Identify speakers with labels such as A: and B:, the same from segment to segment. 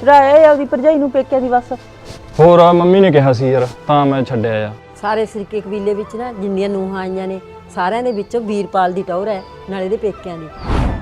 A: ਚੜਾਇਆ ਆਪਦੀ ਭਰਜਾਈ ਨੂੰ ਪੇਕਿਆਂ ਦੀ ਬਸ।
B: ਹੋਰ ਆ ਮੰਮੀ ਨੇ ਕਿਹਾ ਸੀ ਯਾਰ ਤਾਂ ਮੈਂ ਛੱਡਿਆ ਆ।
C: ਸਾਰੇ ਸਰੀਕੇ ਕਬੀਲੇ ਵਿੱਚ ਨਾ ਜਿੰਨੀਆਂ ਨੂੰਹਾਂ ਆਈਆਂ ਨੇ ਸਾਰਿਆਂ ਦੇ ਵਿੱਚੋਂ ਵੀਰਪਾਲ ਦੀ ਟੌਰ ਹੈ ਨਾਲੇ ਦੇ ਪੇਕਿਆਂ ਦੀ।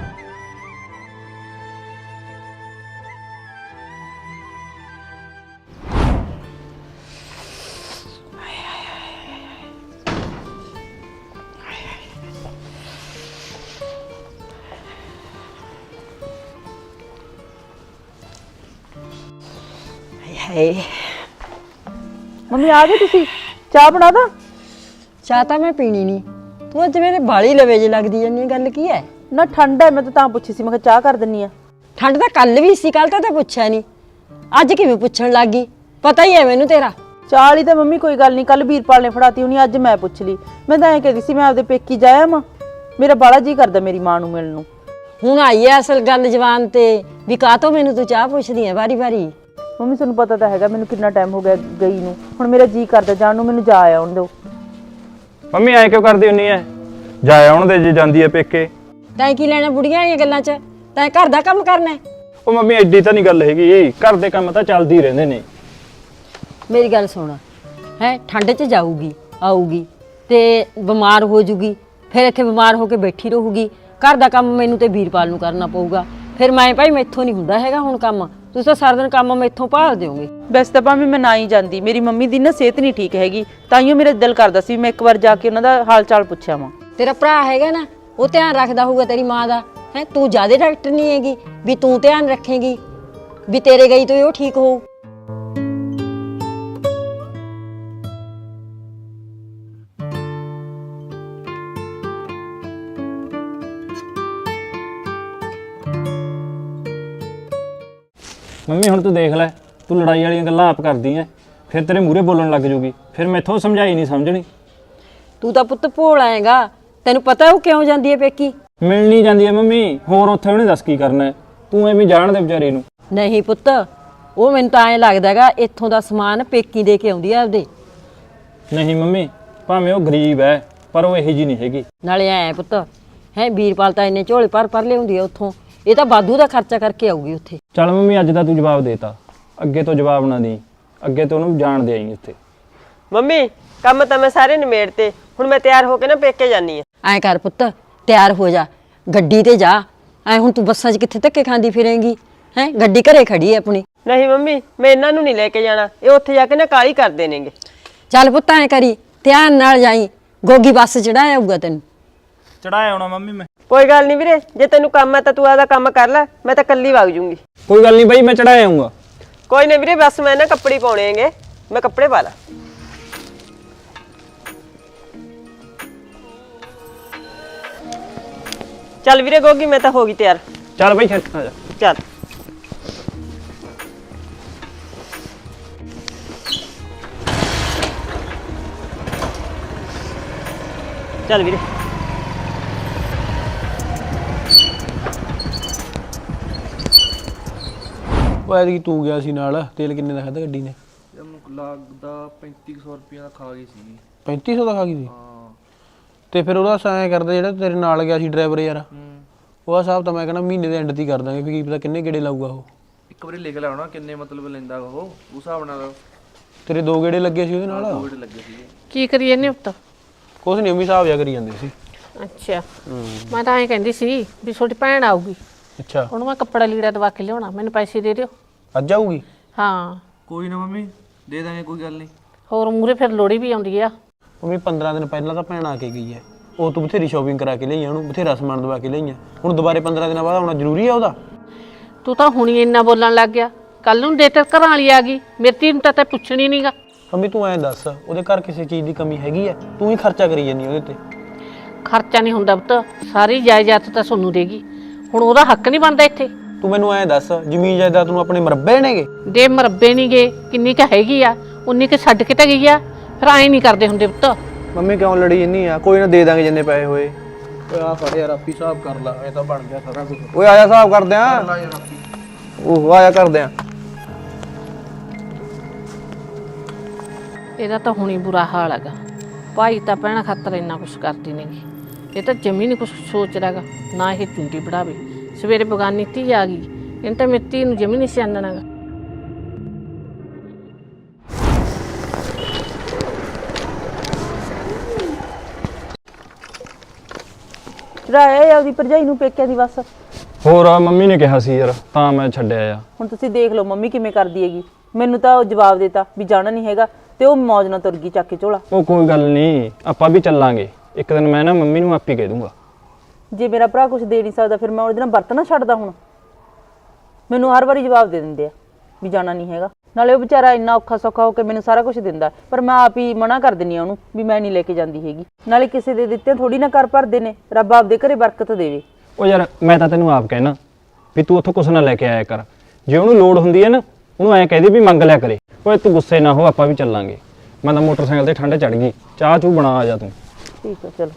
A: ਮੰਮੀ ਆ ਗਏ ਤੁਸੀਂ? ਚਾਹ ਬਣਾ ਦਾਂ?
C: ਚਾਹ ਤਾਂ ਮੈਂ ਪੀਣੀ ਨਹੀਂ। ਤੂੰ ਅੱਜ ਮੇਰੇ ਬਾਲੀ ਲਵੇ ਜੇ ਲੱਗਦੀ ਜਾਂਦੀ, ਗੱਲ ਕੀ ਹੈ?
A: ਨਾ ਠੰਡ ਹੈ, ਮੈਂ ਤਾਂ ਪੁੱਛੀ ਸੀ, ਮੈਂ ਕਿਹਾ ਚਾਹ ਕਰ ਦਿੰਨੀ ਆ।
C: ਠੰਡ ਤਾਂ ਕੱਲ ਵੀ ਸੀ, ਕੱਲ ਤਾਂ ਪੁੱਛਿਆ ਨਹੀਂ, ਅੱਜ ਕਿਵੇਂ ਪੁੱਛਣ ਲੱਗ ਗਈ? ਪਤਾ ਹੀ ਹੈ ਮੈਨੂੰ ਤੇਰਾ।
A: ਚਾਹ ਵਾਲੀ ਤਾਂ ਮੰਮੀ ਕੋਈ ਗੱਲ ਨਹੀਂ, ਕੱਲ ਵੀਰਪਾਲ ਨੇ ਫੜਾਤੀ ਹੋਣੀ, ਅੱਜ ਮੈਂ ਪੁੱਛ ਲਈ। ਮੈਂ ਤਾਂ ਐਂ ਕਹਿੰਦੀ ਸੀ ਮੈਂ ਆਪਦੇ ਪੇਕੀ ਜਾਇਆ ਮਾਂ, ਮੇਰਾ ਬਾਲਾ ਜੀ ਕਰਦਾ ਮੇਰੀ ਮਾਂ ਨੂੰ ਮਿਲਣ ਨੂੰ।
C: ਹੁਣ ਆਈ ਐ ਅਸਲ ਗੱਲ ਜ਼ਬਾਨ ਤੇ ਵੀ ਕਾਹਤੋਂ ਮੈਨੂੰ ਤੂੰ ਚਾਹ ਪੁੱਛਦੀ ਐ ਵਾਰੀ ਵਾਰੀ।
A: ਮੰਮੀ ਤੁਹਾਨੂੰ ਪਤਾ ਤਾਂ ਹੈਗਾ ਮੈਨੂੰ ਕਿੰਨਾ ਟਾਈਮ ਹੋ ਗਿਆ ਗਈ ਨੂੰ, ਹੁਣ ਮੇਰਾ ਜੀ ਕਰਦਾ ਜਾਣ ਨੂੰ, ਮੈਨੂੰ ਜਾ ਆਉਣ ਦਿਓ।
B: ਮੰਮੀ ਐ ਕਿਉਂ ਕਰਦੀ ਹੁੰਨੀ ਐ? ਜਾ ਆਉਣ ਦੇ ਜੇ ਜਾਂਦੀ ਐ ਪੇਕੇ।
C: ਤੈਂ ਕੀ ਲੈਣਾ ਬੁੜੀਆਂ ਵਾਲੀਆਂ ਗੱਲਾਂ 'ਚ? ਤੈਂ ਘਰ ਦਾ ਕੰਮ ਕਰਨਾ।
B: ਉਹ ਮੰਮੀ ਐਡੀ ਤਾਂ ਨਹੀਂ ਗੱਲ ਹੈਗੀ, ਘਰ ਦੇ ਕੰਮ ਤਾਂ ਚੱਲਦੇ ਹੀ ਰਹਿੰਦੇ ਨੇ।
C: ਮੇਰੀ ਗੱਲ ਸੁਣ ਹੈ, ਠੰਡ 'ਚ ਜਾਊਗੀ ਆਊਗੀ ਤੇ ਬਿਮਾਰ ਹੋ ਜੂਗੀ, ਫਿਰ ਇੱਥੇ ਬਿਮਾਰ ਹੋ ਕੇ ਬੈਠੀ ਰਹੂਗੀ। ਘਰ ਦਾ ਕੰਮ ਮੈਨੂੰ ਤੇ ਵੀਰਪਾਲ ਨੂੰ ਕਰਨਾ ਪਊਗਾ। ਫਿਰ ਮੈਂ ਭਾਈ ਮੈਥੋਂ ਨਹੀਂ ਹੁੰਦਾ ਹੈਗਾ ਹੁਣ ਕੰਮ, ਤੁਸੀਂ ਤਾਂ ਸਾਰਾ ਦਿਨ ਕੰਮ ਮੈਥੋਂ ਭਾਲ ਦਿਓਗੇ।
A: ਵੈਸੇ ਤਾਂ ਭਾਵੇਂ ਮੈਂ ਨਾ ਹੀ ਜਾਂਦੀ, ਮੇਰੀ ਮੰਮੀ ਦੀ ਨਾ ਸਿਹਤ ਨਹੀਂ ਠੀਕ ਹੈਗੀ, ਤਾਈਓ ਮੇਰਾ ਦਿਲ ਕਰਦਾ ਸੀ ਮੈਂ ਇੱਕ ਵਾਰ ਜਾ ਕੇ ਉਹਨਾਂ ਦਾ ਹਾਲ ਚਾਲ ਪੁੱਛਿਆ ਵਾਂ।
C: ਤੇਰਾ ਭਰਾ ਹੈਗਾ ਨਾ, ਉਹ ਧਿਆਨ ਰੱਖਦਾ ਹੋਊਗਾ ਤੇਰੀ ਮਾਂ ਦਾ। ਹੈ ਤੂੰ ਜ਼ਿਆਦਾ ਡਾਕਟਰ ਨਹੀਂ ਹੈਗੀ ਵੀ ਤੂੰ ਧਿਆਨ ਰੱਖੇਂਗੀ ਵੀ ਤੇਰੇ ਗਈ ਤੋਂ ਉਹ ਠੀਕ ਹੋਊ।
B: ਮੰਮੀ ਹੁਣ ਤੂੰ ਦੇਖ ਲੈ, ਤੂੰ ਲੜਾਈ ਵਾਲੀਆਂ ਗੱਲਾਂ ਆਪ ਕਰਦੀ ਐ, ਫਿਰ ਤੇਰੇ ਮੂਹਰੇ ਬੋਲਣ ਲੱਗ ਜੂਗੀ, ਫਿਰ ਮੈਥੋਂ ਸਮਝਾਈ ਨਹੀਂ ਸਮਝਣੀ।
C: ਤੂੰ ਤਾਂ ਪੁੱਤ ਭੋਲ ਆਏਗਾ, ਤੈਨੂੰ ਪਤਾ ਉਹ ਕਿਉਂ ਜਾਂਦੀ ਹੈ ਪੇਕੀ?
B: ਮਿਲ ਨਹੀਂ ਜਾਂਦੀ ਐ ਮੰਮੀ, ਹੋਰ ਉੱਥੇ ਉਹਨੇ ਦੱਸ ਕੀ ਕਰਨਾ ਹੈ, ਤੂੰ ਐਵੇਂ ਜਾਣ ਦੇ ਵਿਚਾਰੇ ਨੂੰ।
C: ਨਹੀਂ ਪੁੱਤ, ਉਹ ਮੈਨੂੰ ਤਾਂ ਐਂ ਲੱਗਦਾ ਹੈਗਾ ਇੱਥੋਂ ਦਾ ਸਮਾਨ ਪੇਕੀ ਦੇ ਕੇ ਆਉਂਦੀ ਆ ਆਪਦੇ।
B: ਨਹੀਂ ਮੰਮੀ, ਭਾਵੇਂ ਉਹ ਗਰੀਬ ਐ ਪਰ ਉਹ ਇਹੋ ਜਿਹੀ ਨਹੀਂ ਹੈਗੀ।
C: ਨਾਲੇ ਐ ਪੁੱਤ ਹੈ ਵੀਰਪਾਲ ਤਾਂ ਇੰਨੇ ਝੋਲੇ ਭਰ ਲਿਆਉਂਦੀ ਆ ਉੱਥੋਂ, ਇਹ ਤਾਂ ਵਾਧੂ ਦਾ ਖਰਚਾ ਕਰਕੇ ਆਊਗੀ ਉੱਥੇ।
B: ਚੱਲ ਮੰਮੀ ਅੱਜ ਦਾ ਤੂੰ ਜਵਾਬ ਦੇਤਾ, ਅੱਗੇ ਤੋਂ ਜਵਾਬ ਨਾ ਦੇਈਂ, ਅੱਗੇ ਤੋਂ ਉਹਨੂੰ ਜਾਣ ਦੇ ਆਈ ਇੱਥੇ।
D: ਮੰਮੀ ਕੰਮ ਤਾਂ ਮੈਂ ਸਾਰੇ ਨਿਮੇੜਤੇ, ਹੁਣ ਮੈਂ ਤਿਆਰ ਹੋ ਕੇ ਨਾ ਪੇਕੇ ਜਾਨੀ ਆ।
C: ਐਂ ਕਰ ਪੁੱਤ, ਤਿਆਰ ਹੋ ਜਾ, ਗੱਡੀ ਤੇ ਜਾ। ਐ ਹੁਣ ਤੂੰ ਬੱਸਾਂ 'ਚ ਕਿੱਥੇ ਧੱਕੇ ਖਾਂਦੀ ਫਿਰੇਂਗੀ? ਹੈ ਗੱਡੀ ਘਰੇ ਖੜੀ ਹੈ ਆਪਣੀ।
D: ਨਹੀਂ ਮੰਮੀ, ਮੈਂ ਇਹਨਾਂ ਨੂੰ ਨਹੀਂ ਲੈ ਕੇ ਜਾਣਾ, ਇਹ ਉੱਥੇ ਜਾ ਕੇ ਨਾ ਕਾਹਲੀ ਕਰਦੇ ਨੇਗੇ।
C: ਚੱਲ ਪੁੱਤ ਐਂ ਕਰੀ, ਧਿਆਨ ਨਾਲ ਜਾਈ, ਗੋਗੀ ਬੱਸ ਚੜਾਇਆ ਆਊਗਾ ਤੈਨੂੰ।
B: ਚੜਾਇਆ ਆਉਣਾ ਮੰਮੀ ਮੈਂ।
D: ਕੋਈ ਗੱਲ ਨਹੀਂ ਵੀਰੇ, ਜੇ ਤੈਨੂੰ ਕੰਮ ਹੈ ਤਾਂ ਤੂੰ ਆਪਦਾ ਕੰਮ ਕਰ ਲੈ, ਮੈਂ ਤਾਂ ਕੱਲੀ ਵਗ ਜੂੰਗੀ।
B: ਕੋਈ ਗੱਲ ਨਹੀਂ ਬਾਈ, ਮੈਂ ਚੜਾਇਆ ਆਉਂਗਾ।
D: ਕੋਈ ਨਹੀਂ ਵੀਰੇ, ਬਸ ਮੈਂ ਨਾ ਕੱਪੜੇ ਪਾਉਣੇ ਹੈਗੇ, ਮੈਂ ਕੱਪੜੇ ਪਾ ਲਾ। ਚੱਲ ਵੀਰੇ ਗੋਗੀ, ਮੈਂ ਤਾਂ ਹੋ ਗਈ ਤਿਆਰ।
B: ਚੱਲ ਬਾਈ ਖੇਤ ਆ ਜਾ।
D: ਚੱਲ ਚੱਲ ਵੀਰੇ।
E: ਉਹ ਐਤਕੀ ਤੂੰ ਗਿਆ ਸੀ ਨਾਲ, ਤੇਲ ਕਿੰਨੇ ਦਾ ਖਾਧਾ ਗੱਡੀ ਨੇ?
F: ਲੱਗਦਾ 3500 ਰੁਪਇਆ ਦਾ ਖਾ ਗਈ ਸੀ।
E: 3500 ਦਾ ਖਾ ਗਈ ਸੀ?
F: ਹਾਂ।
E: ਤੇ ਫਿਰ ਉਹਦਾ ਐਂ ਕਰਦਾ ਜਿਹੜਾ ਤੇਰੇ ਨਾਲ ਗਿਆ ਸੀ ਡਰਾਈਵਰ ਯਾਰ, ਉਹਦਾ ਹਿਸਾਬ ਤਾਂ ਮੈਂ ਕਹਿੰਦਾ ਮਹੀਨੇ ਦੇ ਐਂਡ ਤੇ ਕਰ ਦਾਂਗੇ, ਵੀ ਕੀ ਪਤਾ ਕਿੰਨੇ ਗੇੜੇ ਲਾਊਗਾ ਉਹ।
F: ਇੱਕ ਵਾਰੀ ਲਿਖ ਲਿਆਉਣਾ ਕਿੰਨੇ ਮਤਲਬ ਲੈਂਦਾ ਉਹ, ਉਸ ਹਿਸਾਬ ਨਾਲ।
E: ਤੇਰੇ 2 ਗੇੜੇ ਲੱਗੇ ਸੀ ਉਹਦੇ ਨਾਲ?
F: ਕੋਡ ਲੱਗੇ ਸੀਗੇ।
G: ਕੀ ਕਰੀਏ ਨੇ ਉੱਤ?
E: ਕੁਛ ਨਹੀਂ, ਉਮੀ ਹਿਸਾਬ ਜਾ ਕਰੀ ਜਾਂਦੇ ਸੀ।
G: ਅੱਛਾ, ਮੈਂ ਤਾਂ ਐਂ ਕਹਿੰਦੀ ਸੀ ਵੀ ਤੁਹਾਡੀ ਭੈਣ ਆਊਗੀ,
E: ਅੱਛਾ,
G: ਉਹਨੂੰ ਮੈਂ ਕੱਪੜਾ ਲੀੜਾ ਦਵਾ ਕੇ ਲਿਆਉਣਾ, ਮੈਨੂੰ ਪੈਸੇ ਦੇ ਦਿਓ।
E: ਅੱਜ ਆਊਗੀ?
G: ਹਾਂ।
F: ਕੋਈ ਨਾ ਮੰਮੀ, ਦੇ ਦਾਂਗੇ, ਕੋਈ ਗੱਲ ਨਹੀਂ।
G: ਹੋਰ ਮੂਰੇ ਫਿਰ ਲੋੜੀ ਵੀ ਆਉਂਦੀ ਆ।
E: ਉਮੀ 15 ਦਿਨ ਪਹਿਲਾਂ ਤਾਂ ਭੈਣ ਆ ਕੇ ਗਈ ਹੈ, ਉਹ ਤੂੰ ਬਥੇਰੀ ਸ਼ਾਪਿੰਗ ਕਰਾ ਕੇ ਲਈ, ਉਹਨੂੰ ਬਥੇਰਾ ਸਮਾਨ ਦਵਾ ਕੇ ਲਈਆਂ, ਹੁਣ ਦੁਬਾਰੇ 15 ਦਿਨਾਂ ਬਾਅਦ ਆਉਣਾ ਜ਼ਰੂਰੀ ਆ ਉਹਦਾ?
G: ਤੂੰ ਤਾਂ ਹੁਣੀ ਇੰਨਾ ਬੋਲਣ ਲੱਗ ਗਿਆ, ਕੱਲ ਨੂੰ ਦੇ ਤੇ ਘਰਾਂ ਵਾਲੀ ਆ ਗਈ, ਮੇਰੀ ਧੀ ਨੂੰ ਤਾਂ ਪੁੱਛਣੀ ਨਹੀਂਗਾ।
E: ਮੰਮੀ ਤੂੰ ਐਂ ਦੱਸ, ਉਹਦੇ ਘਰ ਕਿਸੇ ਚੀਜ਼ ਦੀ ਕਮੀ ਹੈਗੀ ਹੈ? ਤੂੰ ਹੀ ਖਰਚਾ ਕਰੀ ਜਾਂਦੀ ਉਹਦੇ ਤੇ।
G: ਖਰਚਾ ਨਹੀਂ ਹੁੰਦਾ ਪੁੱਤ, ਸਾਰੀ ਜਾਇਦਾਦ ਤਾਂ ਸੋਨੂੰ ਦੇਗੀ, ਹੁਣ ਉਹਦਾ ਹੱਕ ਨਹੀਂ ਬਣਦਾ ਇੱਥੇ?
E: ਤੂੰ ਮੈਨੂੰ ਐਂ ਦੱਸ, ਜ਼ਮੀਨ ਜਾਇਦਾਦ ਨੂੰ ਆਪਣੇ ਮਰੱਬੇ ਨੇਗੇ?
G: ਦੇ ਮਰੱਬੇ ਨਹੀਂ ਗਏ, ਕਿੰਨੀ ਕੁ ਹੈਗੀ ਆ ਉਨੀ ਕੁ ਛੱਡ ਕੇ ਤਾਂ ਗਈ ਆ, ਫਿਰ ਐਂ ਨਹੀਂ ਕਰਦੇ ਹੁੰਦੇ ਪੁੱਤ।
E: ਮੰਮੀ ਕਿਉਂ ਲੜੀ ਜੰਨੀ ਆ? ਕੋਈ ਨਾ ਦੇ ਦਾਂਗੇ ਜਿੰਨੇ ਪੈਸੇ ਹੋਏ। ਓਏ ਆ ਫੜ ਯਾਰ, ਆਪੀ ਹਿਸਾਬ ਕਰ ਲਾ, ਇਹ ਤਾਂ ਬਣ ਗਿਆ ਸਾਰਾ ਕੁਝ। ਓਏ ਆਇਆ ਹਿਸਾਬ ਕਰਦੇ ਆ, ਉਹ ਆਇਆ ਕਰਦੇ ਆ।
G: ਇਹਦਾ ਤਾਂ ਹੁਣੀ ਬੁਰਾ ਹਾਲ ਹੈਗਾ, ਭਾਈ ਤਾਂ ਭੈਣਾਂ ਖਾਤਰ ਇੰਨਾ ਕੁਛ ਕਰਦੀ ਨੇਗੀ, ਇਹ ਤਾਂ ਜਮੀ ਨਹੀਂ ਕੁਛ ਸੋਚਦਾ ਹੈਗਾ, ਨਾ ਇਹ ਚੁੰਡੀ ਵੜਾਵੇ। ਸਵੇਰੇ ਬਗਾਨੀ ਧੀ ਆ ਗਈ, ਇਹਨੇ ਤਾਂ ਮੇਰੀ ਧੀ ਨੂੰ ਜਮੀ ਨਹੀਂ ਸਿਆਣਨਾ ਹੈਗਾ।
A: ਚੜਾਇਆ ਆਪਦੀ ਭਰਜਾਈ ਨੂੰ ਪੇਕਿਆਂ ਦੀ ਬਸ।
B: ਹੋਰ ਆ ਮੰਮੀ ਨੇ ਕਿਹਾ ਸੀ ਯਾਰ ਤਾਂ ਮੈਂ ਛੱਡਿਆ ਆ।
A: ਹੁਣ ਤੁਸੀਂ ਦੇਖ ਲਓ ਮੰਮੀ ਕਿਵੇਂ ਕਰਦੀ ਹੈਗੀ। ਮੈਨੂੰ ਤਾਂ ਉਹ ਜਵਾਬ ਦੇਤਾ ਵੀ ਜਾਣਾ ਨਹੀਂ ਹੈਗਾ ਤੇ ਉਹ ਮੌਜ ਨਾਲ ਤੁਰ ਗਈ ਚੱਕ ਕੇ ਝੋਲਾ।
B: ਉਹ ਕੋਈ ਗੱਲ ਨਹੀਂ, ਆਪਾਂ ਵੀ ਚੱਲਾਂਗੇ ਇੱਕ ਦਿਨ। ਮੈਂ ਨਾ ਮੰਮੀ ਨੂੰ ਆਪੇ ਕਹਿ ਦੂੰਗਾ।
A: ਜੇ ਮੇਰਾ ਭਰਾ ਕੁਝ ਦੇ ਨਹੀਂ ਸਕਦਾ ਫਿਰ ਮੈਂ ਉਹਦੇ ਨਾਲ ਵਰਤਣਾ ਛੱਡਦਾ। ਹੁਣ ਮੈਨੂੰ ਹਰ ਵਾਰੀ ਜਵਾਬ ਦੇ ਦਿੰਦੇ ਆ ਵੀ ਜਾਣਾ ਨਹੀਂ ਹੈਗਾ। ਨਾਲੇ ਉਹ ਵਿਚਾਰਾ ਇੰਨਾ ਔਖਾ ਸੌਖਾ ਹੋ ਕੇ ਮੈਨੂੰ ਸਾਰਾ ਕੁਝ ਦਿੰਦਾ, ਪਰ ਮੈਂ ਆਪ ਹੀ ਮਨਾ ਕਰ ਦਿੰਦੀ ਆ ਉਹਨੂੰ ਵੀ ਮੈਂ ਨਹੀਂ ਲੈ ਕੇ ਜਾਂਦੀ ਹੈਗੀ। ਨਾਲੇ ਕਿਸੇ ਦੇ ਦਿੱਤੇ ਥੋੜੀ ਨਾ ਕਰ ਭਰਦੇ ਨੇ, ਰੱਬ ਆਪਦੇ ਘਰੇ ਬਰਕਤ ਦੇਵੇ।
B: ਉਹ ਯਾਰ ਮੈਂ ਤਾਂ ਤੈਨੂੰ ਆਪ ਕਹਿਣਾ ਵੀ ਤੂੰ ਉੱਥੋਂ ਕੁਛ ਨਾ ਲੈ ਕੇ ਆਇਆ ਕਰ। ਜੇ ਉਹਨੂੰ ਲੋੜ ਹੁੰਦੀ ਹੈ ਨਾ ਉਹਨੂੰ ਐਂ ਕਹਿ ਦੇ ਵੀ ਮੰਗ ਲਿਆ ਕਰੇ। ਓਏ ਤੂੰ ਗੁੱਸੇ ਨਾ ਹੋ, ਆਪਾਂ ਵੀ ਚੱਲਾਂਗੇ। ਮੈਂ ਤਾਂ ਮੋਟਰਸਾਈਕਲ ਤੇ ਠੰਡ ਚੜ ਗਈ, ਚਾਹ ਚੂ ਬਣਾ ਆ ਜਾ ਤੂੰ।
A: ਠੀਕ ਹੈ ਚਲੋ।